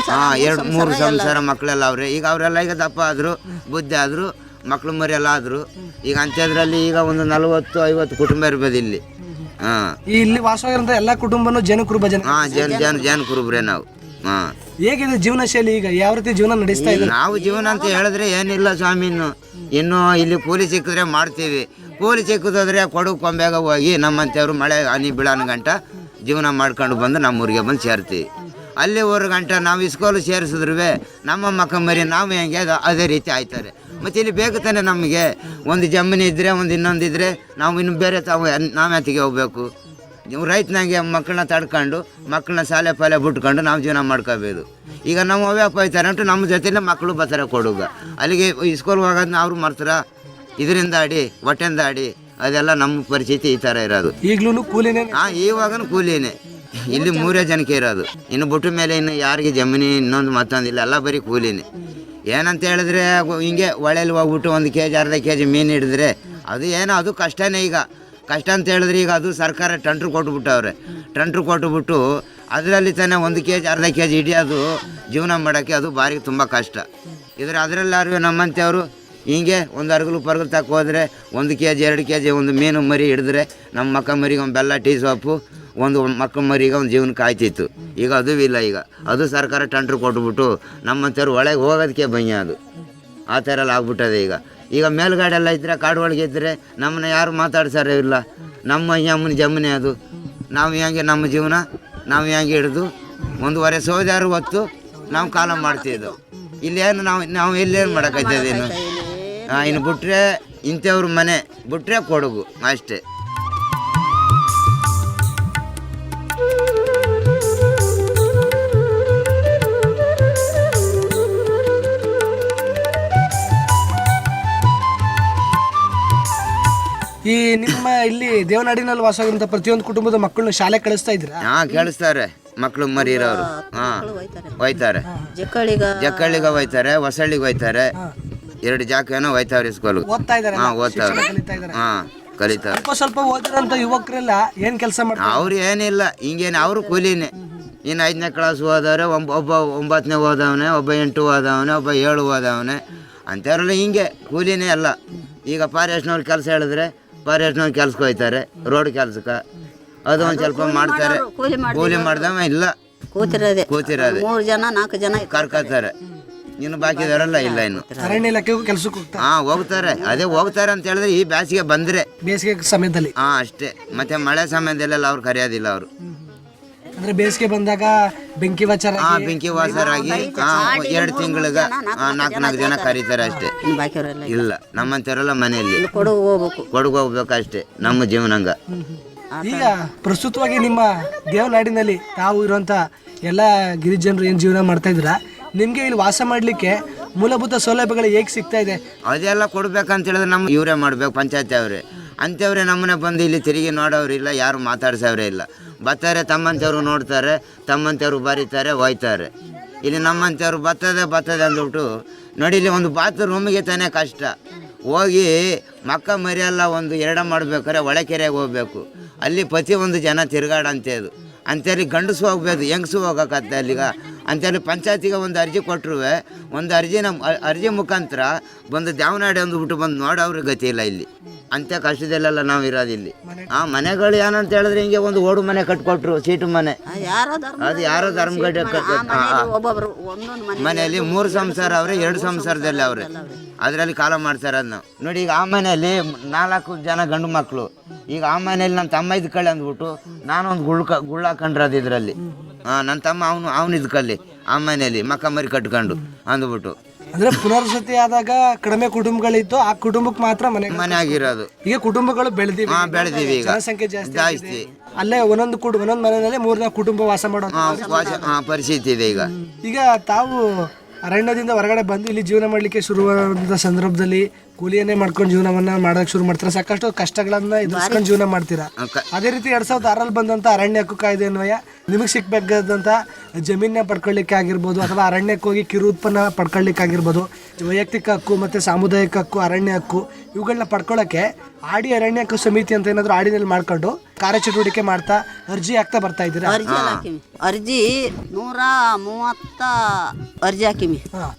[SPEAKER 5] 2-3 ಸಂಸಾರ ಮಕ್ಕಳೆಲ್ಲ ಅವ್ರೆ. ಈಗ ಅವರೆಲ್ಲ ಈಗ ದಪ್ಪ ಆದ್ರು, ಬುದ್ಧಿ ಆದ್ರು, ಮಕ್ಳು ಮರಿ ಎಲ್ಲ ಆದ್ರು. ಈಗ ಅಂಥದ್ರಲ್ಲಿ ಈಗ ಒಂದು 40-50 ಕುಟುಂಬ ಇರ್ಬೋದು ಇಲ್ಲಿ.
[SPEAKER 4] ಇಲ್ಲಿ ವಾಸವಾಗಿರೋ ಎಲ್ಲ ಕುಟುಂಬನು ಜನ ಕುರುಬ
[SPEAKER 5] ಜನ ಕುರುಬ್ರೆ ನಾವು.
[SPEAKER 4] ಹೇಗಿದೆ ಜೀವನ ಶೈಲಿ? ಈಗ ಯಾವ ರೀತಿ ಜೀವನ ನಡೆಸ್ತಾ ಇದ್ದಾರೆ?
[SPEAKER 5] ನಾವು ಜೀವನ ಅಂತ ಹೇಳಿದ್ರೆ ಏನಿಲ್ಲ ಸ್ವಾಮಿ. ಇನ್ನು ಇಲ್ಲಿ ಕೂಲಿ ಸಿಕ್ಕಿದ್ರೆ ಮಾಡ್ತೀವಿ. ಕೂಲಿ ಸಿಕ್ಕಿದ್ರೆ ಕೊಡಗು ಕೊಂಬೆಗ ಹೋಗಿ ನಮ್ಮಂಥವ್ರು ಮಳೆ ಹನಿ ಬೀಳೋನ್ ಗಂಟ ಜೀವನ ಮಾಡ್ಕೊಂಡು ಬಂದು ನಮ್ಮೂರಿಗೆ ಬಂದು ಸೇರ್ತೀವಿ. ಅಲ್ಲಿ 1 ಗಂಟೆ ನಾವು ಇಸ್ಕೋಲು ಸೇರಿಸಿದ್ರು ನಮ್ಮ ಮಕ್ಕ ಮರಿ ನಾವು ಹೆಂಗೆ ಅದೇ ರೀತಿ ಆಯ್ತಾರೆ. ಮತ್ತು ಇಲ್ಲಿ ಬೇಕು ತಾನೆ ನಮಗೆ. ಒಂದು ಜಮೀನು ಇದ್ದರೆ ಒಂದು ಇನ್ನೊಂದಿದ್ರೆ ನಾವು ಇನ್ನು ಬೇರೆ ನಾವು ಎತ್ತಿಗೆ ಹೋಗ್ಬೇಕು. ರೈತನಾಗೆ ಮಕ್ಕಳನ್ನ ತಡ್ಕೊಂಡು ಮಕ್ಕಳನ್ನ ಶಾಲೆ ಪಾಲೆ ಬಿಟ್ಕೊಂಡು ನಾವು ಜೀವನ ಮಾಡ್ಕೋಬೋದು. ಈಗ ನಮ್ಮ ಅವ್ಯಾಪ ಹೋಯ್ತಾರೆ ಅಂಟು ನಮ್ಮ ಜೊತೆಲೇ ಮಕ್ಕಳು ಬರ್ತಾರೆ ಕೊಡುಗ. ಅಲ್ಲಿಗೆ ಇಸ್ಕೂಲ್ಗೆ ಹೋಗೋದನ್ನ ಅವ್ರು ಮಾಡ್ತಾರ. ಇದರಿಂದ ಆಡಿ ಹೊಟ್ಟೆಯಿಂದ ಆಡಿ ಅದೆಲ್ಲ ನಮ್ಮ ಪರಿಸ್ಥಿತಿ ಈ ಥರ ಇರೋದು.
[SPEAKER 4] ಈಗಲೂ ಕೂಲಿನೇ?
[SPEAKER 5] ಇವಾಗನೂ ಕೂಲಿನೇ. ಇಲ್ಲಿ 3 ಜನಕ್ಕೆ ಇರೋದು. ಇನ್ನು ಬಿಟ್ಟ ಮೇಲೆ ಇನ್ನು ಯಾರಿಗೆ ಜಮೀನು ಇನ್ನೊಂದು ಮತ್ತೊಂದಿಲ್ಲ, ಎಲ್ಲ ಬರೀ ಕೂಲಿನೇ. ಏನಂತ ಹೇಳಿದ್ರೆ ಹಿಂಗೆ ಹೊಳೆಯಲ್ಲಿ ಹೋಗ್ಬಿಟ್ಟು 1 kg ಅರ್ಧ kg ಮೀನು ಹಿಡಿದ್ರೆ ಅದು ಏನೋ ಅದು ಕಷ್ಟನೇ. ಈಗ ಕಷ್ಟ ಅಂತ ಹೇಳಿದ್ರೆ ಈಗ ಅದು ಸರ್ಕಾರ ಟಂಟ್ರು ಕೊಟ್ಬಿಟ್ಟವ್ರೆ. ಟಂಟ್ರು ಕೊಟ್ಟುಬಿಟ್ಟು ಅದರಲ್ಲಿ ತಾನೇ 1 kg ಅರ್ಧ kg ಹಿಡಿಯೋದು ಜೀವನ ಮಾಡೋಕ್ಕೆ ಅದು ಭಾರಿ ತುಂಬ ಕಷ್ಟ. ಇದ್ರೆ ಅದರಲ್ಲಾರು ನಮ್ಮಂಥವ್ರು ಹಿಂಗೆ ಒಂದು ಅರ್ಗಲು ಪರ್ಗಲು ತಕ್ಕ ಹೋದರೆ 1 kg 2 kg ಒಂದು ಮೀನು ಮರಿ ಹಿಡಿದ್ರೆ ನಮ್ಮ ಮಕ್ಕ ಮರಿಗೆ ಒಂದು ಬೆಲ್ಲ ಟೀ ಸೊಪ್ಪು ಒಂದು ಮಕ್ಕಳ ಮರಿಗೆ ಒಂದು ಜೀವನಕ್ಕೆ ಆಯ್ತಿತ್ತು. ಈಗ ಅದೂ ಇಲ್ಲ. ಈಗ ಅದು ಸರ್ಕಾರ ಟಂಟ್ರು ಕೊಟ್ಬಿಟ್ಟು ನಮ್ಮಂಥವ್ರು ಒಳಗೆ ಹೋಗೋದಕ್ಕೆ ಭಯ. ಅದು ಆ ಥರ ಎಲ್ಲ ಆಗ್ಬಿಟ್ಟದೆ. ಈಗ ಮೇಲ್ಗಡೆ ಎಲ್ಲ ಇದ್ದರೆ ಕಾಡು ಒಳಗೆ ಇದ್ದರೆ ನಮ್ಮನ್ನ ಯಾರು ಮಾತಾಡ್ಸಾರೇ ಇಲ್ಲ. ನಮ್ಮ ಅಮ್ಮನ ಜಮೀನೆ ಅದು. ನಾವು ಹೆಂಗೆ ನಮ್ಮ ಜೀವನ ನಾವು ಹೆಂಗೆ ಹಿಡಿದು 1.5 ಸೋದಾರು ಹೊತ್ತು ನಾವು ಕಾಲ ಮಾಡ್ತಿದ್ದೆವು. ಇಲ್ಲೇನು ನಾವು ಎಲ್ಲೇನು ಮಾಡೋಕ್ಕಾಯ್ತದೆ? ಇನ್ನು ಬಿಟ್ರೆ ಇಂಥವ್ರ ಮನೆ ಬಿಟ್ರೆ ಕೊಡಗು ಅಷ್ಟೇ.
[SPEAKER 4] ಈ ನಿಮ್ಮ ಇಲ್ಲಿ ದೇವನಾಡಿನಲ್ಲಿ ವಾಸವಾಗಿರುವಂತ ಪ್ರತಿಯೊಂದು ಕುಟುಂಬದ ಮಕ್ಕಳನ್ನ ಶಾಲೆ ಕಳಿಸ್ತಾ ಇದ್ರ?
[SPEAKER 5] ಕಳಿಸ್ತಾರೆ. ಮಕ್ಕಳು ಮರಿ ಇರೋರು ಹೋಯ್ತಾರೆ. ಜಕ್ಕಳ್ಳಿಗೆ ಹೋಯ್ತಾರೆ, ಹೊಸಳ್ಳಿಗೆ ಹೋಯ್ತಾರೆ. 2 ಜಾಕೇನೋ ಹೋಯ್ತಾವ್ರೆ ಸ್ಕೂಲ್ಗೆ.
[SPEAKER 4] ಓದ್ತಾವ್ರೆ.
[SPEAKER 5] ಕಲಿತಾರೆ.
[SPEAKER 4] ಸ್ವಲ್ಪ ಓದಿರೋಂಥ ಯುವಕರೆಲ್ಲ ಏನ್ ಕೆಲಸ ಮಾಡ್ತಾರೆ?
[SPEAKER 5] ಅವ್ರು ಏನಿಲ್ಲ, ಹಿಂಗೇನು ಅವರು ಕೂಲಿನೇ. ಇನ್ನು 5ನೇ ಕ್ಲಾಸ್ ಓದವ್ರೆ, ಒಬ್ಬ 9ನೇ ಓದವನೆ, ಒಬ್ಬ 8 ಓದವನೆ, ಒಬ್ಬ 7 ಓದವನೆ. ಅಂಥವ್ರೆಲ್ಲ ಹಿಂಗೆ ಕೂಲಿನೇ ಎಲ್ಲ. ಈಗ ಫಾರೆಸ್ಟ್ನವ್ರು ಕೆಲಸ ಹೇಳಿದ್ರೆ ಫಾರೆಸ್ಟ್ನವ್ರು ಕೆಲ್ಸಕ್ಕೆ ಹೋಯ್ತಾರೆ, ರೋಡ್ ಕೆಲ್ಸಕ್ಕೆ. ಅದು ಒಂದು ಸ್ವಲ್ಪ ಮಾಡ್ತಾರೆ. ಕೂಲಿ ಮಾಡ್ದವ ಇಲ್ಲ, ಕೂತಿರೋದೆ
[SPEAKER 6] 3 ಜನ 4 ಜನ
[SPEAKER 5] ಕರ್ಕೋತಾರೆ. ಇನ್ನು ಬಾಕಿದವರೆಲ್ಲ ಇಲ್ಲ. ಇನ್ನು
[SPEAKER 4] ಅರಣ್ಯ ಇಲಾಖೆಗೂ ಕೆಲಸಕ್ಕೆ
[SPEAKER 5] ಹೋಗ್ತಾರೆ. ಅದೇ ಹೋಗ್ತಾರೆ ಅಂತ ಹೇಳಿದ್ರೆ ಈ ಬೇಸಿಗೆ ಬಂದರೆ,
[SPEAKER 4] ಬೇಸಿಗೆ ಸಮಯದಲ್ಲಿ
[SPEAKER 5] ಅಷ್ಟೇ. ಮತ್ತೆ ಮಳೆ ಸಮಯದಲ್ಲೆಲ್ಲ ಅವ್ರು ಕರೆಯೋದಿಲ್ಲ. ಅವರು
[SPEAKER 4] ಅಂದ್ರೆ ಬೇಸಿಗೆ ಬಂದಾಗ ಬೆಂಕಿ ವಾಚರ
[SPEAKER 5] ಬೆಂಕಿ ವಾಸರಾಗಿ 2 ತಿಂಗಳಿಗೆ 4 ಜನ ಕರೀತಾರೆ ಅಷ್ಟೇ. ಇಲ್ಲ ನಮ್ಮಂತವರೆಲ್ಲ ಮನೆಯಲ್ಲಿ ಕೊಡಗು ಹೋಗ್ಬೇಕು ಅಷ್ಟೇ ನಮ್ಮ ಜೀವನಂಗ.
[SPEAKER 4] ಈಗ ಪ್ರಸ್ತುತವಾಗಿ ನಿಮ್ಮ ದೇವನಾಡಿನಲ್ಲಿ ತಾವು ಇರುವಂತ ಎಲ್ಲ ಗಿರಿಜನರು ಏನ್ ಜೀವನ ಮಾಡ್ತಾ ಇದ್ರ, ನಿಮ್ಗೆ ಇಲ್ಲಿ ವಾಸ ಮಾಡ್ಲಿಕ್ಕೆ ಮೂಲಭೂತ ಸೌಲಭ್ಯಗಳು ಹೇಗೆ ಸಿಗ್ತಾ ಇದೆ?
[SPEAKER 5] ಅದೆಲ್ಲ ಕೊಡ್ಬೇಕಂತ ಹೇಳಿದ್ರೆ ನಮ್ಮ ಇವರೇ ಮಾಡ್ಬೇಕು, ಪಂಚಾಯತಿ ಅವರೇ. ಅಂಥವ್ರೆ ನಮ್ಮನೆ ಬಂದು ಇಲ್ಲಿ ತಿರುಗಿ ನೋಡೋರಿಲ್ಲ, ಯಾರು ಮಾತಾಡ್ಸೋರೇ ಇಲ್ಲ. ಬರ್ತಾರೆ ತಮ್ಮಂಥವ್ರು ನೋಡ್ತಾರೆ, ತಮ್ಮಂಥವ್ರು ಬರೀತಾರೆ, ಹೋಯ್ತಾರೆ. ಇಲ್ಲಿ ನಮ್ಮಂಥವ್ರು ಬರ್ತದೆ ಅಂದ್ಬಿಟ್ಟು ನೋಡಿ, ಇಲ್ಲಿ ಒಂದು ಬಾತ್ರೂಮಿಗೆ ತಾನೇ ಕಷ್ಟ. ಹೋಗಿ ಮಕ್ಕ ಮರಿಯೆಲ್ಲ ಒಂದು ಎರಡ ಮಾಡ್ಬೇಕಾದ್ರೆ ಒಳಕೆರೆಗೆ ಹೋಗ್ಬೇಕು. ಅಲ್ಲಿ ಪ್ರತಿ ಒಂದು ಜನ ತಿರುಗಾಡಂಥದ್ದು. ಅಂಥೇಳಿ ಗಂಡಸು ಹೋಗ್ಬೇಕು, ಹೆಂಗಸು ಹೋಗೋಕತ್ತೆ ಅಲ್ಲಿಗ. ಅಂಥೇಳಿ ಪಂಚಾಯತಿಗೆ ಒಂದು ಅರ್ಜಿ ಕೊಟ್ಟರು, ಒಂದು ಅರ್ಜಿ ಮುಖಾಂತರ ಬಂದು ದ್ಯಾವನಾಡಿ ಅಂದ್ಬಿಟ್ಟು ಬಂದು ನೋಡೋವ್ರಿಗೆ ಗತಿ ಇಲ್ಲ ಇಲ್ಲಿ. ಅಂಥ ಕಷ್ಟದಲ್ಲೆಲ್ಲ ನಾವು ಇರೋದಿಲ್ಲಿ. ಮನೆಗಳು ಏನಂತ ಹೇಳಿದ್ರೆ ಹಿಂಗೆ ಒಂದು ಓಡು ಮನೆ ಕಟ್ಕೊಟ್ರು, ಸೀಟು ಮನೆ. ಅದು ಯಾರೋ ಧರ್ಮಗಡ್ಡೆ ಮನೆಯಲ್ಲಿ 3 ಸಂಸಾರ ಅವ್ರೆ, 2 ಸಂಸಾರದಲ್ಲಿ ಅವ್ರೆ. ಅದರಲ್ಲಿ ಕಾಲ ಮಾಡ್ತಾರೆ ಅದನ್ನ ನೋಡಿ. ಈಗ ಆ ಮನೆಯಲ್ಲಿ 4 ಜನ ಗಂಡು ಮಕ್ಕಳು. ಈಗ ಆ ಮನೆಯಲ್ಲಿ ನನ್ನ ತಮ್ಮ ಇದ್ಕೊಳ್ಳಿ ಅಂದ್ಬಿಟ್ಟು ನಾನೊಂದು ಗುಳ್ಳ ಹಾಕೊಂಡ್ರದು ಇದರಲ್ಲಿ. ನನ್ನ ತಮ್ಮ ಅವನು ಇದ್ಕೊಳ್ಳಿ ಆ ಮನೆಯಲ್ಲಿ ಮಕ್ಕ ಮರಿ ಕಟ್ಕೊಂಡು ಅಂದ್ಬಿಟ್ಟು.
[SPEAKER 4] ಅಂದ್ರೆ ಪುನರ್ವಸತಿ ಆದಾಗ ಕಡಿಮೆ ಕುಟುಂಬಗಳಿತ್ತು, ಆ ಕುಟುಂಬಕ್ಕೆ ಮಾತ್ರ ಮನೆ ಆಗಿರೋದು. ಈಗ ಕುಟುಂಬಗಳು ಬೆಳೆದಿವೆ ಈಗ ಜನಸಂಖ್ಯೆ ಜಾಸ್ತಿ. ಅಲ್ಲೇ ಒಂದೊಂದು ಮನೆಯಲ್ಲಿ 3-4 ಕುಟುಂಬ ವಾಸ ಮಾಡೋ
[SPEAKER 5] ಪರಿಸ್ಥಿತಿ ಇದೆ ಈಗ.
[SPEAKER 4] ಈಗ ತಾವು ಅರಣ್ಯದಿಂದ ಹೊರಗಡೆ ಬಂದು ಇಲ್ಲಿ ಜೀವನ ಮಾಡಲಿಕ್ಕೆ ಶುರುವಾದ ಸಂದರ್ಭದಲ್ಲಿ ಕೂಲಿಯನ್ನೇ ಮಾಡ್ಕೊಂಡು ಜೀವನವನ್ನ ಮಾಡೋಕೆ ಶುರು ಮಾಡ್ತೀರಾ. ಸಾಕಷ್ಟು ಕಷ್ಟಗಳನ್ನ ಎದುರಿಸ್ಕೊಂಡು ಜೀವನ ಮಾಡ್ತೀರಾ. ಅದೇ ರೀತಿ 2006 ಬಂದಂತ ಅರಣ್ಯ ಹಕ್ಕು ಕಾಯ್ದೆ ಅನ್ವಯ ನಿಮಗೆ ಸಿಕ್ಬೇಕಾದಂತ ಜಮೀನ ಪಡ್ಕೊಳ್ಳಿಕ್ಕೆ ಆಗಿರ್ಬೋದು, ಅಥವಾ ಅರಣ್ಯಕ್ಕೆ ಹೋಗಿ ಕಿರು ಉತ್ಪನ್ನ ಪಡ್ಕೊಳ್ಳಿಕ್ಕೆ ಆಗಿರ್ಬೋದು, ವೈಯಕ್ತಿಕ ಹಕ್ಕು ಮತ್ತೆ ಸಾಮುದಾಯಿಕ ಹಕ್ಕು, ಅರಣ್ಯ ಹಕ್ಕು ಇವುಗಳನ್ನ ಪಡ್ಕೊಳ್ಳೋಕೆ ಆಡಿ ಅರಣ್ಯ ಹಕ್ಕು ಸಮಿತಿ ಅಂತ ಏನಾದ್ರು ಆಡಿನಲ್ಲಿ ಮಾಡ್ಕೊಂಡು ಕಾರ್ಯಚಟುವಟಿಕೆ ಮಾಡ್ತಾ ಅರ್ಜಿ ಹಾಕ್ತಾ ಬರ್ತಾ ಇದ್ದೀರಾ?
[SPEAKER 6] ಅರ್ಜಿ 130 ಅರ್ಜಿ ಹಾಕಿಮಿ.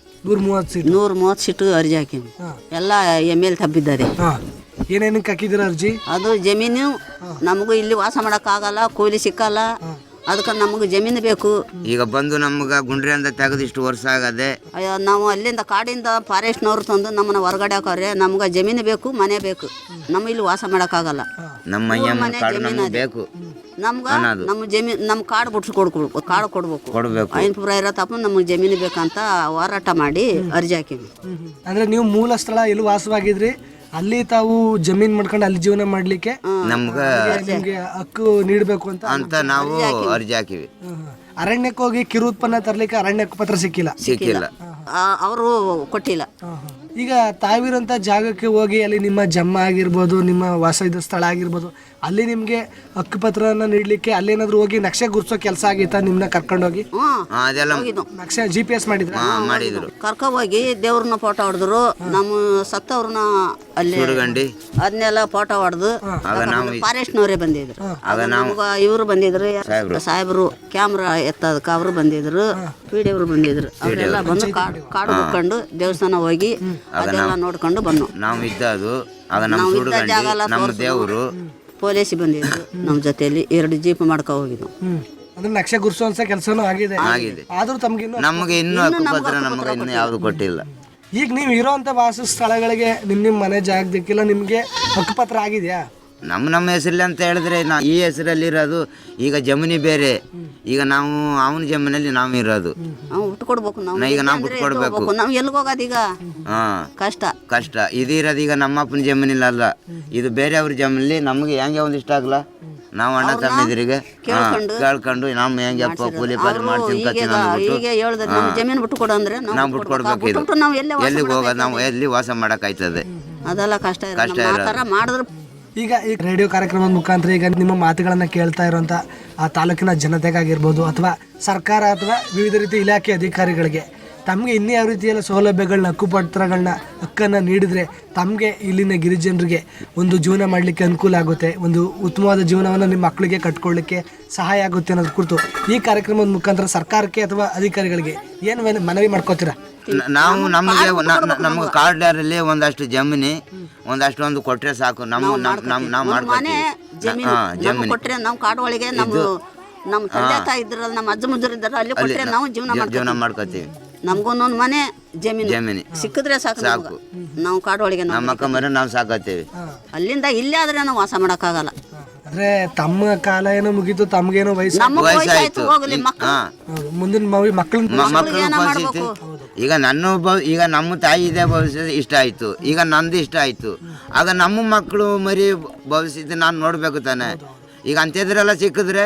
[SPEAKER 4] 130
[SPEAKER 6] ಸೀಟು ಅರ್ಜಿ ಹಾಕಿಮಿ. ಎಲ್ಲ ML ತಬ್ಬಿದ್ದಾರೆ.
[SPEAKER 4] ಏನೇನಕ್ಕೆ ಹಾಕಿದ್ದೀರಾ ಅರ್ಜಿ?
[SPEAKER 6] ಅದು ಜಮೀನು ನಮಗೂ ಇಲ್ಲಿ ವಾಸ ಮಾಡೋಕ್ಕಾಗಲ್ಲ, ಕೂಲಿ ಸಿಕ್ಕಲ್ಲ, ಅದಕ್ಕೆ ನಮಗೆ ಜಮೀನು ಬೇಕು.
[SPEAKER 5] ಈಗ ಬಂದು ನಮ್ಗೆ ಗುಂಡ್ರಿಯಿಂದ ತೆಗೆದು ಇಷ್ಟು ವರ್ಷ ಆಗದೆ.
[SPEAKER 6] ನಾವು ಅಲ್ಲಿಂದ ಕಾಡಿಂದ ಫಾರೆಸ್ಟ್ನವ್ರು ತಂದು ನಮ್ಮನ್ನ ಹೊರಗಡೆ ಹಾಕೋರೆ. ನಮ್ಗೆ ಜಮೀನು ಬೇಕು, ಮನೆ ಬೇಕು. ನಮ್ಮ ಇಲ್ಲಿ ವಾಸ ಮಾಡೋಕ್ಕಾಗಲ್ಲ.
[SPEAKER 5] ನಮ್ಮ ಜಮೀನು ಬೇಕು
[SPEAKER 6] ನಮ್ಗೆ. ನಮ್ಮ ಜಮೀನು ನಮ್ಮ ಕಾಡು ಬಿಡ್ಸಿ ಕೊಡ್ಬೇಕು. ಐನ್ಪುರ ಇರೋ ತಪ್ಪ ನಮಗೆ ಜಮೀನು ಬೇಕಂತ ಹೋರಾಟ ಮಾಡಿ ಅರ್ಜಿ ಹಾಕಿದ್ವಿ.
[SPEAKER 4] ಅಂದ್ರೆ ನೀವು ಮೂಲ ಸ್ಥಳ ಎಲ್ಲಿ ವಾಸವಾಗಿದ್ರಿ ಅಲ್ಲಿ ತಾವು ಜಮೀನ್ ಮಾಡ್ಕೊಂಡು ಅಲ್ಲಿ ಜೀವನ ಮಾಡ್ಲಿಕ್ಕೆ ನಿಮ್ಗೆ ಹಕ್ಕು ನೀಡಬೇಕು ಅಂತ
[SPEAKER 5] ನಾವು ಅರ್ಜಿ ಹಾಕಿವಿ.
[SPEAKER 4] ಅರಣ್ಯಕ್ಕೆ ಹೋಗಿ ಕಿರು ಉತ್ಪನ್ನ ತರ್ಲಿಕ್ಕೆ ಅರಣ್ಯ ಪತ್ರ ಸಿಕ್ಕಿಲ್ಲ,
[SPEAKER 6] ಅವರು ಕೊಟ್ಟಿಲ್ಲ.
[SPEAKER 4] ಈಗ ತಾವಿರೋಂಥ ಜಾಗಕ್ಕೆ ಹೋಗಿ ಅಲ್ಲಿ ನಿಮ್ಮ ಜಮ್ಮ ಆಗಿರ್ಬೋದು, ನಿಮ್ಮ ವಾಸ ಇದ್ದ ಸ್ಥಳ ಆಗಿರ್ಬೋದು, ಅಲ್ಲಿ ನಿಮ್ಗೆ ಹಕ್ಕುಪತ್ರನ ನೀಡ್ಲಿಕ್ಕೆ ಅಲ್ಲೇನಾದ್ರು ಹೋಗಿ ನಕ್ಷೆ ಗುರ್ಸೋ ಕೆಲಸ ಆಗಿತ್ತಾ? ನಿಮ್ನ ಕರ್ಕೊಂಡೋಗಿ ನಕ್ಷೆ GPS ಮಾಡಿದ್ರು.
[SPEAKER 6] ಕರ್ಕೊಂಡೋಗಿ ದೇವ್ರನ್ನ ಫೋಟೋ ಹೊಡೆದ್ರು. ನಮ್ಮ ಸತ್ತವ್ರನ್ನ ಅಲ್ಲಿ ಅದನ್ನೆಲ್ಲ ಫೋಟೋ ಹೊಡೆದು ಫಾರೆಸ್ಟ್ನವರೇ ಬಂದಿದ್ರು. ಇವರು ಬಂದಿದ್ರು, ಸಾಹೇಬರು ಕ್ಯಾಮ್ರಾ ಎತ್ತದಕ್ಕೆ ಅವರು ಬಂದಿದ್ರು, PD ಅವರು ಬಂದಿದ್ರು. ಅವರೆಲ್ಲ ಬಂದು ಕಾಡು ಹುಡ್ಕೊಂಡು ದೇವಸ್ಥಾನ ಹೋಗಿ ಅದೆಲ್ಲ ನೋಡ್ಕೊಂಡು ಬಂದು
[SPEAKER 5] ನಾವು ಇದ್ದದು. ಆಗ ನಮ್ಮ ದೇವರು
[SPEAKER 6] ಪೊಲೀಸ್ ಬಂದಿದ್ರು ನಮ್ಮ ಜೊತೆಯಲ್ಲಿ. 2 ಜೀಪ್ ಮಾಡ್ಕೊ ಹೋಗಿದ್ದು.
[SPEAKER 4] ಅಂದ್ರೆ ನಕ್ಷೆ ಗುರ್ಸುವಂತ ಕೆಲಸನೂ ಆಗಿದೆ. ಆದ್ರೂ
[SPEAKER 5] ನಮಗೆ ಇನ್ನೂ ಹಕ್ಕುಪತ್ರ ನಮಗೆ ಇನ್ನೂ ಯಾವ್ದು ಕೊಟ್ಟಿಲ್ಲ.
[SPEAKER 4] ಈಗ ನೀವು ಇರೋಂಥ ವಾಸ ಸ್ಥಳಗಳಿಗೆ ನಿಮ್ಮ ಮನೆ ಜಾಗದಕ್ಕೆಲ್ಲ ನಿಮ್ಗೆ ಹಕ್ಕುಪತ್ರ ಆಗಿದೆಯಾ?
[SPEAKER 5] ನಮ್ಮ ಹೆಸರಲ್ಲಿ ಅಂತ ಹೇಳಿದ್ರೆ ಈ ಹೆಸರಲ್ಲಿ ಇರೋದು. ಈಗ ಜಮೀನಿ ಬೇರೆ. ಈಗ ನಾವು ಅವನ ಜಮೀನಲ್ಲಿ ನಾವು ಇರೋದು. ಈಗ ನಾವು ಬಿಟ್ಕೊಡ್ಬೇಕು.
[SPEAKER 6] ನಾವು ಎಲ್ಲಿಗೆ ಹೋಗೋದು ಈಗ?
[SPEAKER 5] ಕಷ್ಟ ಇದು ಇರೋದು. ಈಗ ನಮ್ಮಪ್ಪನ ಜಮೀನಿಲ್ಲ, ಇದು ಬೇರೆ ಅವ್ರ ಜಮೀನಲ್ಲಿ. ನಮ್ಗೆ ಹೆಂಗೆ ಒಂದಿಷ್ಟ ಆಗಲ್ಲ. ನಾವು ಅಣ್ಣ ತಮ್ಮದಿರಿಗೆ ಕೇಳ್ಕೊಂಡು ನಮ್ಮ ಹೆಂಗೆ ಅಪ್ಪ ಕೂಲಿ ಪಾಲಿ ಮಾಡ್ತೀವಿ
[SPEAKER 6] ಜಮೀನು ಬಿಟ್ಟುಕೊಡು ಅಂದ್ರೆ
[SPEAKER 5] ನಾವು ಬಿಟ್ಕೊಡ್ಬೇಕು. ಇದು ಎಲ್ಲಿಗೆ ಹೋಗೋದು? ನಾವು ಎಲ್ಲಿ ವಾಸ ಮಾಡೋಕ್ಕಾಯ್ತದೆ?
[SPEAKER 6] ಅದೆಲ್ಲ ಕಷ್ಟ ಮಾಡಿದ್ರೆ.
[SPEAKER 4] ಈಗ ಈ ರೇಡಿಯೋ ಕಾರ್ಯಕ್ರಮದ ಮುಖಾಂತರ ಈಗ ನಿಮ್ಮ ಮಾತುಗಳನ್ನು ಕೇಳ್ತಾ ಇರುವಂಥ ಆ ತಾಲೂಕಿನ ಜನತೆಗಾಗಿರ್ಬೋದು, ಅಥವಾ ಸರ್ಕಾರ ಅಥವಾ ವಿವಿಧ ರೀತಿ ಇಲಾಖೆ ಅಧಿಕಾರಿಗಳಿಗೆ ತಮಗೆ ಇನ್ನೂ ಯಾವ ರೀತಿಯೆಲ್ಲ ಸೌಲಭ್ಯಗಳನ್ನ, ಹಕ್ಕುಪತ್ರಗಳನ್ನ, ಹಕ್ಕನ್ನು ನೀಡಿದರೆ ತಮಗೆ ಇಲ್ಲಿನ ಗಿರಿಜನರಿಗೆ ಒಂದು ಜೀವನ ಮಾಡಲಿಕ್ಕೆ ಅನುಕೂಲ ಆಗುತ್ತೆ, ಒಂದು ಉತ್ತಮವಾದ ಜೀವನವನ್ನು ನಿಮ್ಮ ಮಕ್ಕಳಿಗೆ ಕಟ್ಕೊಳ್ಳಿಕ್ಕೆ ಸಹಾಯ ಆಗುತ್ತೆ ಅನ್ನೋದು ಕುರಿತು ಈ ಕಾರ್ಯಕ್ರಮದ ಮುಖಾಂತರ ಸರ್ಕಾರಕ್ಕೆ ಅಥವಾ ಅಧಿಕಾರಿಗಳಿಗೆ ಏನು ಮನವಿ ಮಾಡ್ಕೋತೀರಾ?
[SPEAKER 5] ನಾವು ನಮ್ಗೆ ಕಾರ್ಡ್ನಲ್ಲಿ ಒಂದಷ್ಟು ಜಮೀನಿ ಒಂದು ಕೊಟ್ರೆ ಸಾಕು. ನಾವು
[SPEAKER 6] ಮಾಡ್ಕೊತೀವಿ. ಜಮೀನು ಕೊಟ್ರೆ ನಾವು ಕಾಡು ಒಳಗೆ ನಮ್ಮ ತಂದೆ ತಾಯಿ ಇದ್ರಲ್ಲ, ನಮ್ಮ ಅಜ್ಜ ಮುಜ್ಜರು ಇದ್ದಾರ, ಅಲ್ಲಿ ಕೊಟ್ರೆ ನಾವು ಜೀವನ ಮಾಡ್ಕೊತೀವಿ. ನಮ್ಗೊಂದೊಂದು ಮನೆ ಜಮೀನು ಸಿಕ್ಕಿದ್ರೆ ಸಾಕು. ನಾವು ಕಾಡು ಒಳಗೆ
[SPEAKER 5] ನಾವು ಸಾಕತ್ತೀವಿ.
[SPEAKER 6] ಅಲ್ಲಿಂದ ಇಲ್ಲೇ ಆದ್ರೆ ನಾವು ವಾಸ ಮಾಡಕ್ಕಾಗಲ್ಲ.
[SPEAKER 4] ಅಂದ್ರೆ ತಮ್ಮ ಕಾಲ ಏನೋ ಮುಗೀತು, ತಮ್ಗೇನೋ
[SPEAKER 5] ವಯಸ್ಸಾಯ್ತು.
[SPEAKER 4] ಮುಂದಿನ
[SPEAKER 5] ಪರಿಸ್ಥಿತಿ ಈಗ ಈಗ ನಮ್ಮ ತಾಯಿ ಇದೆ ಭವಿಷ್ಯ ಇಷ್ಟ ಆಯ್ತು. ಈಗ ನಂದು ಇಷ್ಟ ಆಯ್ತು. ಆಗ ನಮ್ಮ ಮಕ್ಕಳು ಮರಿ ಭವಿಷ್ಯದ ನಾನು ನೋಡ್ಬೇಕು ತಾನೆ. ಈಗ ಅಂಥದ್ರೆಲ್ಲ ಸಿಕ್ಕಿದ್ರೆ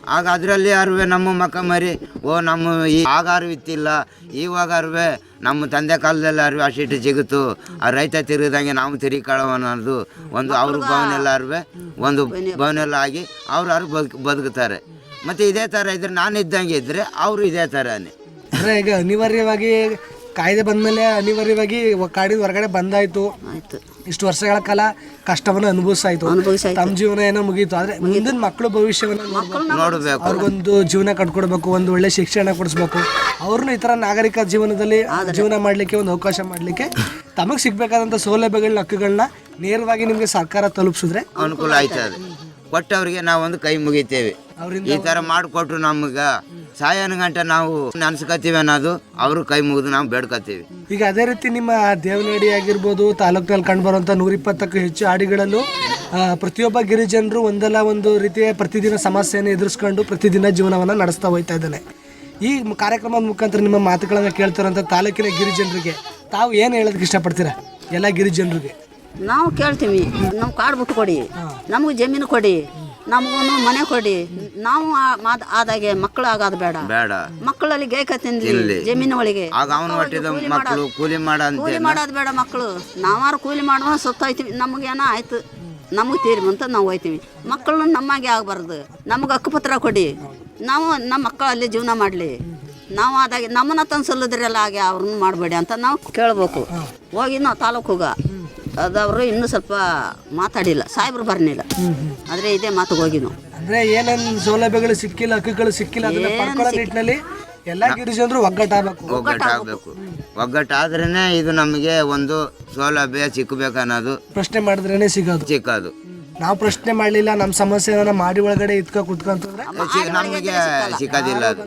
[SPEAKER 5] ಆಗ ಅದರಲ್ಲಿ ಅರುವೆ ನಮ್ಮ ಮಕ್ಕ ಮರಿ ನಮ್ಮ ಈ ಆಗಾರು ಇತ್ತಿಲ್ಲ, ಇವಾಗ ಅರುವೆ ನಮ್ಮ ತಂದೆ ಕಾಲದಲ್ಲಿ ಅರಿವೆ ಅಷ್ಟಿಟ್ಟು ಸಿಗುತ್ತು. ಆ ರೈತ ತಿರುಗಿದಂಗೆ ನಾವು ತಿರುಗಿಕೊಳ್ಳೋ ಅನ್ನೋದು ಒಂದು ಅವ್ರ ಭವನೆಲ್ಲ ಅರಿವೆ ಒಂದು ಭವನೆಲ್ಲ ಆಗಿ ಅವ್ರು ಬದುಕುತ್ತಾರೆ. ಮತ್ತು ಇದೇ ಥರ ಇದ್ರೆ ನಾನು ಇದ್ದಂಗೆ ಇದ್ದರೆ ಅವರು ಇದೇ ಥರನೇ.
[SPEAKER 4] ಅಂದರೆ ಈಗ ಅನಿವಾರ್ಯವಾಗಿ ಕಾಯ್ದೆ ಬಂದಮೇಲೆ ಅನಿವಾರ್ಯವಾಗಿ ಕಾಡಿನ ಹೊರಗಡೆ ಬಂದಾಯಿತು, ಇಷ್ಟು ವರ್ಷಗಳ ಕಾಲ ಕಷ್ಟವನ್ನು ಅನುಭವಿಸಾಯ್ತು, ತಮ್ಮ ಜೀವನ ಏನೋ ಮುಗೀತು. ಆದರೆ ಮುಂದಿನ ಮಕ್ಕಳು ಭವಿಷ್ಯವನ್ನು
[SPEAKER 5] ನೋಡಬೇಕು,
[SPEAKER 4] ಅವ್ರಿಗೊಂದು ಜೀವನ ಕಟ್ಕೊಡ್ಬೇಕು, ಒಂದು ಒಳ್ಳೆ ಶಿಕ್ಷಣ ಕೊಡಿಸ್ಬೇಕು, ಅವ್ರನ್ನೂ ಈ ಥರ ನಾಗರಿಕ ಜೀವನದಲ್ಲಿ ಜೀವನ ಮಾಡಲಿಕ್ಕೆ ಒಂದು ಅವಕಾಶ ಮಾಡಲಿಕ್ಕೆ ತಮಗೆ ಸಿಗಬೇಕಾದಂಥ ಸೌಲಭ್ಯಗಳನ್ನ ಹಕ್ಕುಗಳನ್ನ ನೇರವಾಗಿ ನಿಮಗೆ ಸರ್ಕಾರ ತಲುಪಿಸಿದ್ರೆ
[SPEAKER 5] ಅನುಕೂಲ ಆಯ್ತದೆ. ಕೊಟ್ಟವ್ರಿಗೆ ನಾವೊಂದು ಕೈ ಮುಗಿತೇವೆ. ಈ ಥರ ಮಾಡಿಕೊಟ್ರು ನಮ್ಗೆ ಸಾಯನ ಗಂಟೆ ನಾವು ನೆನ್ಸ್ಕೊತೀವಿ ಅನ್ನೋದು ಅವರು ಕೈ ಮುಗಿದು ನಾವು ಬೇಡ್ಕೊತೀವಿ.
[SPEAKER 4] ಈಗ ಅದೇ ರೀತಿ ನಿಮ್ಮ ದೇವನಹಳ್ಳಿ ಆಗಿರ್ಬೋದು, ತಾಲೂಕಿನಲ್ಲಿ ಕಂಡುಬರುವಂಥ 120ಕ್ಕೂ ಹೆಚ್ಚು ಹಾಡಿಗಳಲ್ಲೂ ಪ್ರತಿಯೊಬ್ಬ ಗಿರಿಜನರು ಒಂದಲ್ಲ ಒಂದು ರೀತಿಯ ಪ್ರತಿದಿನ ಸಮಸ್ಯೆಯನ್ನು ಎದುರಿಸ್ಕೊಂಡು ಪ್ರತಿದಿನ ಜೀವನವನ್ನು ನಡೆಸ್ತಾ ಹೋಗ್ತಾ ಇದ್ದಾನೆ. ಈ ಕಾರ್ಯಕ್ರಮದ ಮುಖಾಂತರ ನಿಮ್ಮ ಮಾತುಗಳನ್ನು ಕೇಳ್ತಿರೋಂಥ ತಾಲೂಕಿನ ಗಿರಿಜನರಿಗೆ ತಾವು ಏನು ಹೇಳೋದಕ್ಕೆ ಇಷ್ಟಪಡ್ತೀರಾ? ಎಲ್ಲ ಗಿರಿಜನರಿಗೆ
[SPEAKER 6] ನಾವು ಕೇಳ್ತೀವಿ, ನಾವು ಕಾಡು ಬಿಟ್ಟು ಕೊಡಿ, ನಮಗೆ ಜಮೀನು ಕೊಡಿ, ನಮಗೂ ಮನೆ ಕೊಡಿ. ನಾವು ಆದಾಗೆ ಮಕ್ಕಳು ಆಗೋದು ಬೇಡ, ಮಕ್ಕಳಲ್ಲಿ ಗೇಕ ತಿನ್ಲಿ ಜಮೀನು ಒಳಗೆ. ಕೂಲಿ ಮಾಡೋದು ಬೇಡ ಮಕ್ಕಳು. ನಾವಾರು ಕೂಲಿ ಮಾಡುವ ಸುತ್ತಾಯ್ತೀವಿ, ನಮಗೇನೋ ಆಯ್ತು ನಮಗೆ ತೀರಿ ಅಂತ ನಾವು ಹೋಯ್ತೀವಿ. ಮಕ್ಕಳು ನಮ್ಮಾಗೆ ಆಗಬಾರ್ದು, ನಮಗೆ ಹಕ್ಕುಪತ್ರ ಕೊಡಿ, ನಾವು ನಮ್ಮ ಮಕ್ಕಳು ಅಲ್ಲಿ ಜೀವನ ಮಾಡಲಿ. ನಾವು ಆದಾಗೆ ನಮ್ಮನ್ನ ತಂದು ಸಲ್ಲದ್ರೆಲ್ಲ ಹಾಗೆ ಅವ್ರನ್ನ ಮಾಡಬೇಡಿ ಅಂತ ನಾವು ಕೇಳಬೇಕು. ಹೋಗಿ ನಾವು ತಾಲೂಕುಗ ಅದವರು ಇನ್ನೂ ಸ್ವಲ್ಪ ಮಾತಾಡಿಲ್ಲ, ಸಾಹೇಬ್ರು ಬರ್ನಿಲ್ಲ, ಆದರೆ ಇದೇ ಮಾತಿಗೆ ಹೋಗಿ ನಾವು
[SPEAKER 4] ಅಂದರೆ ಏನೇನು ಸೌಲಭ್ಯಗಳು ಸಿಕ್ಕಿಲ್ಲ, ಹಕ್ಕುಗಳು ಸಿಕ್ಕಿಲ್ಲ, ಅದನ್ನ ಪಡ್ಕೊಳ್ಳೋ ನಿಟ್ಟಿನಲ್ಲಿ ಎಲ್ಲ ಗಿರಿಜನರು
[SPEAKER 5] ಒಗ್ಗಟ್ಟಾಗಬೇಕು. ಒಗ್ಗಟ್ಟಾದ್ರೇ ಇದು ನಮಗೆ ಒಂದು ಸೌಲಭ್ಯ ಸಿಕ್ಕಬೇಕು ಅನ್ನೋದು.
[SPEAKER 4] ಪ್ರಶ್ನೆ ಮಾಡಿದ್ರೇನೆ ಸಿಗೋದು. ನಾವು ಪ್ರಶ್ನೆ ಮಾಡಲಿಲ್ಲ, ನಮ್ಮ ಸಮಸ್ಯೆನ ಮಾಡಿ ಒಳಗಡೆ ಕುತ್ಕೊಂತಂದ್ರೆ
[SPEAKER 5] ನಮಗೆ ಸಿಕ್ಕೋದಿಲ್ಲ, ಅದು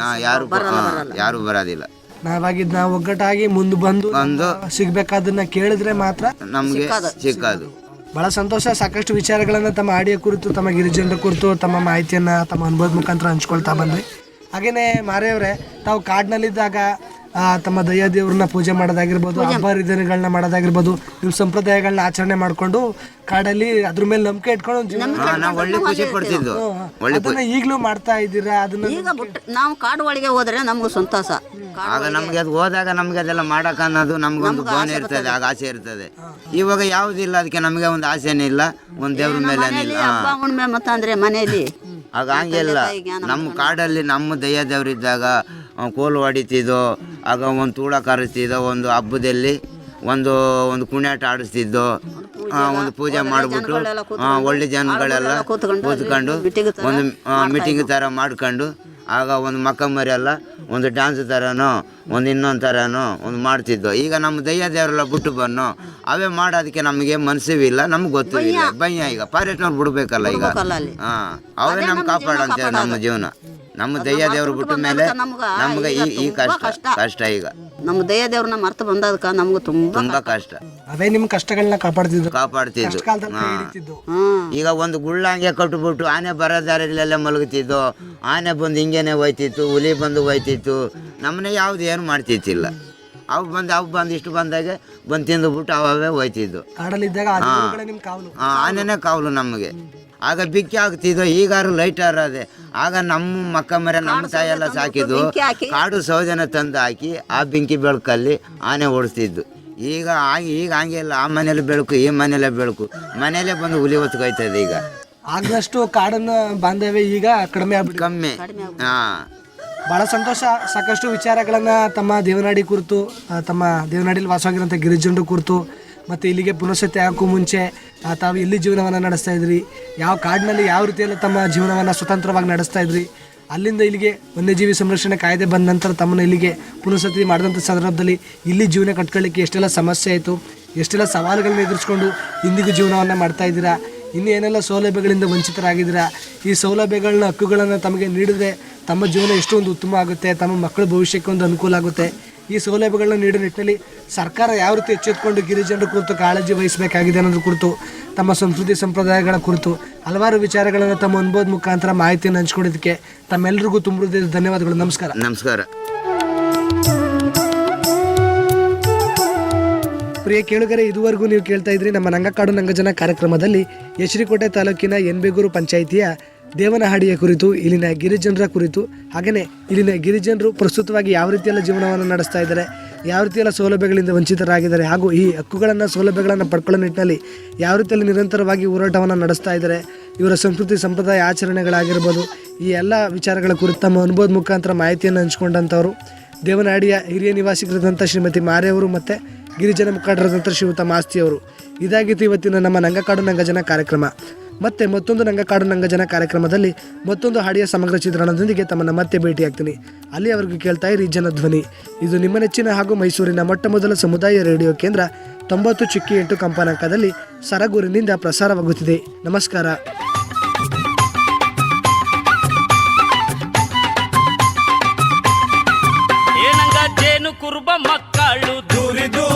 [SPEAKER 5] ಯಾರು ಬರೋದಿಲ್ಲ.
[SPEAKER 4] ನಾವಾಗಿದ್ದು ನಾವು ಒಗ್ಗಟ್ಟಾಗಿ ಮುಂದೆ ಬಂದು ಸಿಗ್ಬೇಕಾದನ್ನ ಕೇಳಿದ್ರೆ ಮಾತ್ರ ನಮಗೆ
[SPEAKER 5] ಸಿಕ್ಕೋದು.
[SPEAKER 4] ಬಹಳ ಸಂತೋಷ. ಸಾಕಷ್ಟು ವಿಚಾರಗಳನ್ನ ತಮ್ಮ ಆಡಿಯೋ ಕುರಿತು, ತಮ್ಮ ಗಿರಿಜನರ ಕುರಿತು ತಮ್ಮ ಮಾಹಿತಿಯನ್ನ ತಮ್ಮ ಅನುಭವದ ಮುಖಾಂತರ ಹಂಚ್ಕೊಳ್ತಾ ಬಂದ್ವಿ. ಹಾಗೇನೆ ಮಾರೆಯವರೇ, ತಾವು ಕಾಡಿನಲ್ಲಿದ್ದಾಗ ತಮ್ಮ ದೈವ ದೇವ್ರನ್ನ ಪೂಜೆ ಮಾಡೋದಾಗಿರ್ಬೋದು, ಹಬ್ಬ ಹರಿದಿನಗಳನ್ನ ಮಾಡೋದಾಗಿರ್ಬೋದು, ನಿಮ್ಮ ಸಂಪ್ರದಾಯಗಳನ್ನ ಆಚರಣೆ ಮಾಡ್ಕೊಂಡು ಕಾಡಲ್ಲಿ ಅದ್ರ ಮೇಲೆ ನಂಬಿಕೆ ಇಟ್ಕೊಂಡು ಅದನ್ನ ಈಗಲೂ ಮಾಡ್ತಾ ಇದ್ದೀರಾ? ಅದನ್ನ
[SPEAKER 6] ಈಗ ನಾವು ಕಾಡು ಒಳಗೆ ಹೋದ್ರೆ ನಮ್ಗೆ ಸಂತೋಷ.
[SPEAKER 5] ಆಗ ನಮ್ಗೆ ಅದು ಹೋದಾಗ ನಮ್ಗೆ ಅದೆಲ್ಲ ಮಾಡಕ್ ಅನ್ನೋದು ನಮ್ಗೊಂದು ಭಾವನೆ ಇರ್ತದೆ, ಆಗ ಆಸೆ ಇರ್ತದೆ. ಇವಾಗ ಯಾವುದಿಲ್ಲ, ಅದಕ್ಕೆ ನಮಗೆ ಒಂದು ಆಸೆನೇ ಇಲ್ಲ, ಒಂದು ದೇವ್ರ ಮೇಲೆ
[SPEAKER 6] ಹಬ್ಬ ಹುಣ್ಣಿಮೆ ಮತ್ತಂದ್ರೆ ಮನೆಯಲ್ಲಿ
[SPEAKER 5] ಆಗ ಹಂಗಿಲ್ಲ. ನಮ್ಮ ಕಾಡಲ್ಲಿ ನಮ್ಮ ದೈವ ದೇವ್ರಿದ್ದಾಗ ಕೋಲು ಹೊಡಿತಿದ್ದೋ, ಆಗ ಒಂದು ತೂಳ ಕರೆಸ್ತಿದ್ದೋ, ಒಂದು ಹಬ್ಬದಲ್ಲಿ ಒಂದು ಕುಣಿಯಾಟ ಆಡಿಸ್ತಿದ್ದೋ, ಒಂದು ಪೂಜೆ ಮಾಡಿಬಿಟ್ಟು ಒಳ್ಳೆ ಜನಗಳೆಲ್ಲ ಕೂತ್ಕೊಂಡು ಒಂದು ಮೀಟಿಂಗ್ ಥರ ಮಾಡ್ಕೊಂಡು ಆಗ ಒಂದು ಮಕ್ಕ ಮರಿ ಎಲ್ಲ ಒಂದು ಡ್ಯಾನ್ಸ್ ಥರನೋ ಒಂದು ಇನ್ನೊಂದು ಥರನೋ ಒಂದು ಮಾಡ್ತಿದ್ದೋ. ಈಗ ನಮ್ಮ ದೈವ ದೇವರೆಲ್ಲ ಬಿಟ್ಟು ಬನ್ನೋ ಅವೇ ಮಾಡೋದಕ್ಕೆ ನಮಗೆ ಮನಸ್ಸಿಲ್ಲ, ನಮ್ಗೆ ಗೊತ್ತೂ ಇಲ್ಲ. ಭಯ ಈಗ ಫಾರೆಸ್ಟ್ನವ್ರು ಬಿಡ್ಬೇಕಲ್ಲ, ಈಗ ಅವೇ ನಮ್ಗೆ ಕಾಪಾಡಂತೆ ನಮ್ಮ ಜೀವನ. ನಮ್ಮ ದೈವ ದೇವ್ರು ಬಿಟ್ಟ ಮೇಲೆ ನಮ್ಗೆ ಈ ಕಷ್ಟ ಈಗ
[SPEAKER 6] ನಮ್ಮ ದೈವ ದೇವ್ರನ್ನ ಮರ್ತು ಬಂದದಕ್ಕೆ ನಮ್ಗೆ ತುಂಬಾ
[SPEAKER 5] ಕಷ್ಟ.
[SPEAKER 4] ಅವೇ ನಿಮ್ಮ ಕಷ್ಟಗಳನ್ನ ಕಾಪಾಡ್ತಿದ್ದು.
[SPEAKER 5] ಈಗ ಒಂದು ಗುಳ್ಳಂಗೆ ಕಟ್ಬಿಟ್ಟು ಆನೆ ಬರೋದಾರಲ್ಲೆಲ್ಲ ಮಲಗುತ್ತಿದ್ದು, ಆನೆ ಬಂದು ಹಿಂಗೇನೆ ಹೋಯ್ತಿತ್ತು, ಹುಲಿ ಬಂದು ಹೋಯ್ತಿತ್ತು, ನಮ್ಮನೆ ಯಾವ್ದು ಏನು ಮಾಡ್ತಿತ್ತಿಲ್ಲ. ಅವು ಬಂದು ಇಷ್ಟು ಬಂದಾಗೆ ಬಂದು ತಿಂದುಬಿಟ್ಟು ಅವೇ ಹೋಯ್ತಿದ್ದು. ಆನೆನೇ ಕಾವಲು ನಮಗೆ. ಆಗ ಬಿಕ್ಕಿ ಆಗ್ತಿದ್ದೋ, ಈಗಾರು ಲೈಟರ್ ಅದೇ. ಆಗ ನಮ್ಮ ಮಕ್ಕ ಮರ ನಮ್ಮ ತಾಯೆಲ್ಲ ಸಾಕಿದ್ದು ಕಾಡು ಸೌದೆನ ತಂದು ಹಾಕಿ ಆ ಬೆಂಕಿ ಬೆಳಕಲ್ಲಿ ಆನೆ ಓಡಿಸ್ತಿದ್ದು. ಈಗ ಹಂಗಿಲ್ಲ, ಆ ಮನೇಲಿ ಬೆಳಕು, ಈ ಮನೇಲೆ ಬೆಳಕು, ಮನೇಲೆ ಬಂದು ಹುಲಿ ಹೊತ್ಕೊಯ್ತದೆ. ಈಗ
[SPEAKER 4] ಆಗದಷ್ಟು ಕಾಡನ್ನ ಬಾಂಧವ್ಯ ಈಗ ಕಡಿಮೆ ಬಹಳ ಸಂತೋಷ. ಸಾಕಷ್ಟು ವಿಚಾರಗಳನ್ನ ತಮ್ಮ ದೇವನಾಡಿ ಕುರಿತು, ತಮ್ಮ ದೇವನಾಡಿಲಿ ವಾಸವಾಗಿರೋಂಥ ಗಿರಿಜನರ ಕುರಿತು, ಮತ್ತು ಇಲ್ಲಿಗೆ ಪುನಃಸತಿ ಹಾಕೋ ಮುಂಚೆ ತಾವು ಎಲ್ಲಿ ಜೀವನವನ್ನು ನಡೆಸ್ತಾ ಇದ್ರಿ, ಯಾವ ಕಾಡಿನಲ್ಲಿ ಯಾವ ರೀತಿಯಲ್ಲಿ ತಮ್ಮ ಜೀವನವನ್ನು ಸ್ವತಂತ್ರವಾಗಿ ನಡೆಸ್ತಾ ಇದ್ರಿ, ಅಲ್ಲಿಂದ ಇಲ್ಲಿಗೆ ವನ್ಯಜೀವಿ ಸಂರಕ್ಷಣೆ ಕಾಯ್ದೆ ಬಂದ ನಂತರ ತಮ್ಮನ್ನು ಇಲ್ಲಿಗೆ ಪುನಃಸತಿ ಮಾಡಿದಂಥ ಸಂದರ್ಭದಲ್ಲಿ ಇಲ್ಲಿ ಜೀವನ ಕಟ್ಕೊಳ್ಳಿಕ್ಕೆ ಎಷ್ಟೆಲ್ಲ ಸಮಸ್ಯೆ ಆಯಿತು, ಎಷ್ಟೆಲ್ಲ ಸವಾಲುಗಳನ್ನ ಎದುರಿಸ್ಕೊಂಡು ಇಂದಿಗೂ ಜೀವನವನ್ನು ಮಾಡ್ತಾ ಇದ್ದೀರಾ, ಇನ್ನೂ ಏನೆಲ್ಲ ಸೌಲಭ್ಯಗಳಿಂದ ವಂಚಿತರಾಗಿದ್ದೀರಾ. ಈ ಸೌಲಭ್ಯಗಳನ್ನ, ಹಕ್ಕುಗಳನ್ನು ತಮಗೆ ನೀಡಿದ್ರೆ ತಮ್ಮ ಜೀವನ ಎಷ್ಟೊಂದು ಉತ್ತಮ ಆಗುತ್ತೆ, ತಮ್ಮ ಮಕ್ಕಳ ಭವಿಷ್ಯಕ್ಕೆ ಒಂದು ಅನುಕೂಲ ಆಗುತ್ತೆ. ಈ ಸೌಲಭ್ಯಗಳನ್ನ ನೀಡೋ ನಿಟ್ಟಿನಲ್ಲಿ ಸರ್ಕಾರ ಯಾವ ರೀತಿ ಎಚ್ಚೆತ್ತುಕೊಂಡು ಗಿರಿಜನರ ಕುರಿತು ಕಾಳಜಿ ವಹಿಸಬೇಕಾಗಿದೆ ಅನ್ನೋದ್ರ ಕುರಿತು, ತಮ್ಮ ಸಂಸ್ಕೃತಿ ಸಂಪ್ರದಾಯಗಳ ಕುರಿತು ಹಲವಾರು ವಿಚಾರಗಳನ್ನು ತಮ್ಮ ಅನುಭವದ ಮುಖಾಂತರ ಮಾಹಿತಿಯನ್ನು ಹಂಚ್ಕೊಂಡಿದ್ದಕ್ಕೆ ತಮ್ಮೆಲ್ಲರಿಗೂ ತುಂಬ ಧನ್ಯವಾದಗಳು. ನಮಸ್ಕಾರ.
[SPEAKER 5] ನಮಸ್ಕಾರ.
[SPEAKER 4] ಪ್ರಿಯ ಕೇಳುಗರೆ, ಇದುವರೆಗೂ ನೀವು ಕೇಳ್ತಾ ಇದ್ರಿ ನಮ್ಮ ನಂಗಕಾಡು ನಂಗಜನ ಕಾರ್ಯಕ್ರಮದಲ್ಲಿ ಎಚ್.ಡಿ. ಕೋಟೆ ತಾಲೂಕಿನ ಎನ್ಬೇಗೂರು ಪಂಚಾಯಿತಿಯ ದೇವನಹಳ್ಳಿಯ ಕುರಿತು, ಇಲ್ಲಿನ ಗಿರಿಜನರ ಕುರಿತು, ಹಾಗೆಯೇ ಇಲ್ಲಿನ ಗಿರಿಜನರು ಪ್ರಸ್ತುತವಾಗಿ ಯಾವ ರೀತಿಯೆಲ್ಲ ಜೀವನವನ್ನು ನಡೆಸ್ತಾ ಇದ್ದಾರೆ, ಯಾವ ರೀತಿಯೆಲ್ಲ ಸೌಲಭ್ಯಗಳಿಂದ ವಂಚಿತರಾಗಿದ್ದಾರೆ, ಹಾಗೂ ಈ ಹಕ್ಕುಗಳನ್ನು ಸೌಲಭ್ಯಗಳನ್ನು ಪಡ್ಕೊಳ್ಳೋ ನಿಟ್ಟಿನಲ್ಲಿ ಯಾವ ರೀತಿಯಲ್ಲಿ ನಿರಂತರವಾಗಿ ಹೋರಾಟವನ್ನು ನಡೆಸ್ತಾ ಇದ್ದಾರೆ, ಇವರ ಸಂಸ್ಕೃತಿ ಸಂಪ್ರದಾಯ ಆಚರಣೆಗಳಾಗಿರ್ಬೋದು, ಈ ಎಲ್ಲ ವಿಚಾರಗಳ ಕುರಿತು ತಮ್ಮ ಅನುಭವದ ಮುಖಾಂತರ ಮಾಹಿತಿಯನ್ನು ಹಂಚ್ಕೊಂಡಂಥವ್ರು ದೇವನಹಳ್ಳಿಯ ಹಿರಿಯ ನಿವಾಸಿಗರಾದಂಥ ಶ್ರೀಮತಿ ಮಾರೆಯವರು ಮತ್ತು ಗಿರಿಜನ ಮುಖಂಡರಾದಂಥ ಶ್ರೀಯುತ ಮಾಸ್ತಿಯವರು. ಇದಾಗಿತ್ತು ಇವತ್ತಿನ ನಮ್ಮ ನಂಗಕಾಡು ನಂಗಜನ ಕಾರ್ಯಕ್ರಮ. ಮತ್ತೆ ಮತ್ತೊಂದು ನಂಗಕಾಡು ನಂಗಜನ ಕಾರ್ಯಕ್ರಮದಲ್ಲಿ ಮತ್ತೊಂದು ಹಾಡಿಯ ಸಮಗ್ರ ಚಿತ್ರಣದೊಂದಿಗೆ ತಮ್ಮನ್ನು ಮತ್ತೆ ಭೇಟಿಯಾಗ್ತೀನಿ. ಅಲ್ಲಿಯವರೆಗೂ ಕೇಳ್ತಾ ಇರಿ ಜನಧ್ವನಿ. ಇದು ನಿಮ್ಮ ನೆಚ್ಚಿನ ಹಾಗೂ ಮೈಸೂರಿನ ಮೊಟ್ಟಮೊದಲ ಸಮುದಾಯ ರೇಡಿಯೋ ಕೇಂದ್ರ 90.8 ಕಂಪನಾಂಕದಲ್ಲಿ ಸರಗೂರಿನಿಂದ ಪ್ರಸಾರವಾಗುತ್ತಿದೆ. ನಮಸ್ಕಾರ.
[SPEAKER 1] ಏನಂಗ ಜೇನು ಕುರುಬ ಮಕ್ಕಳು ದೂರಿ ದೂರಿ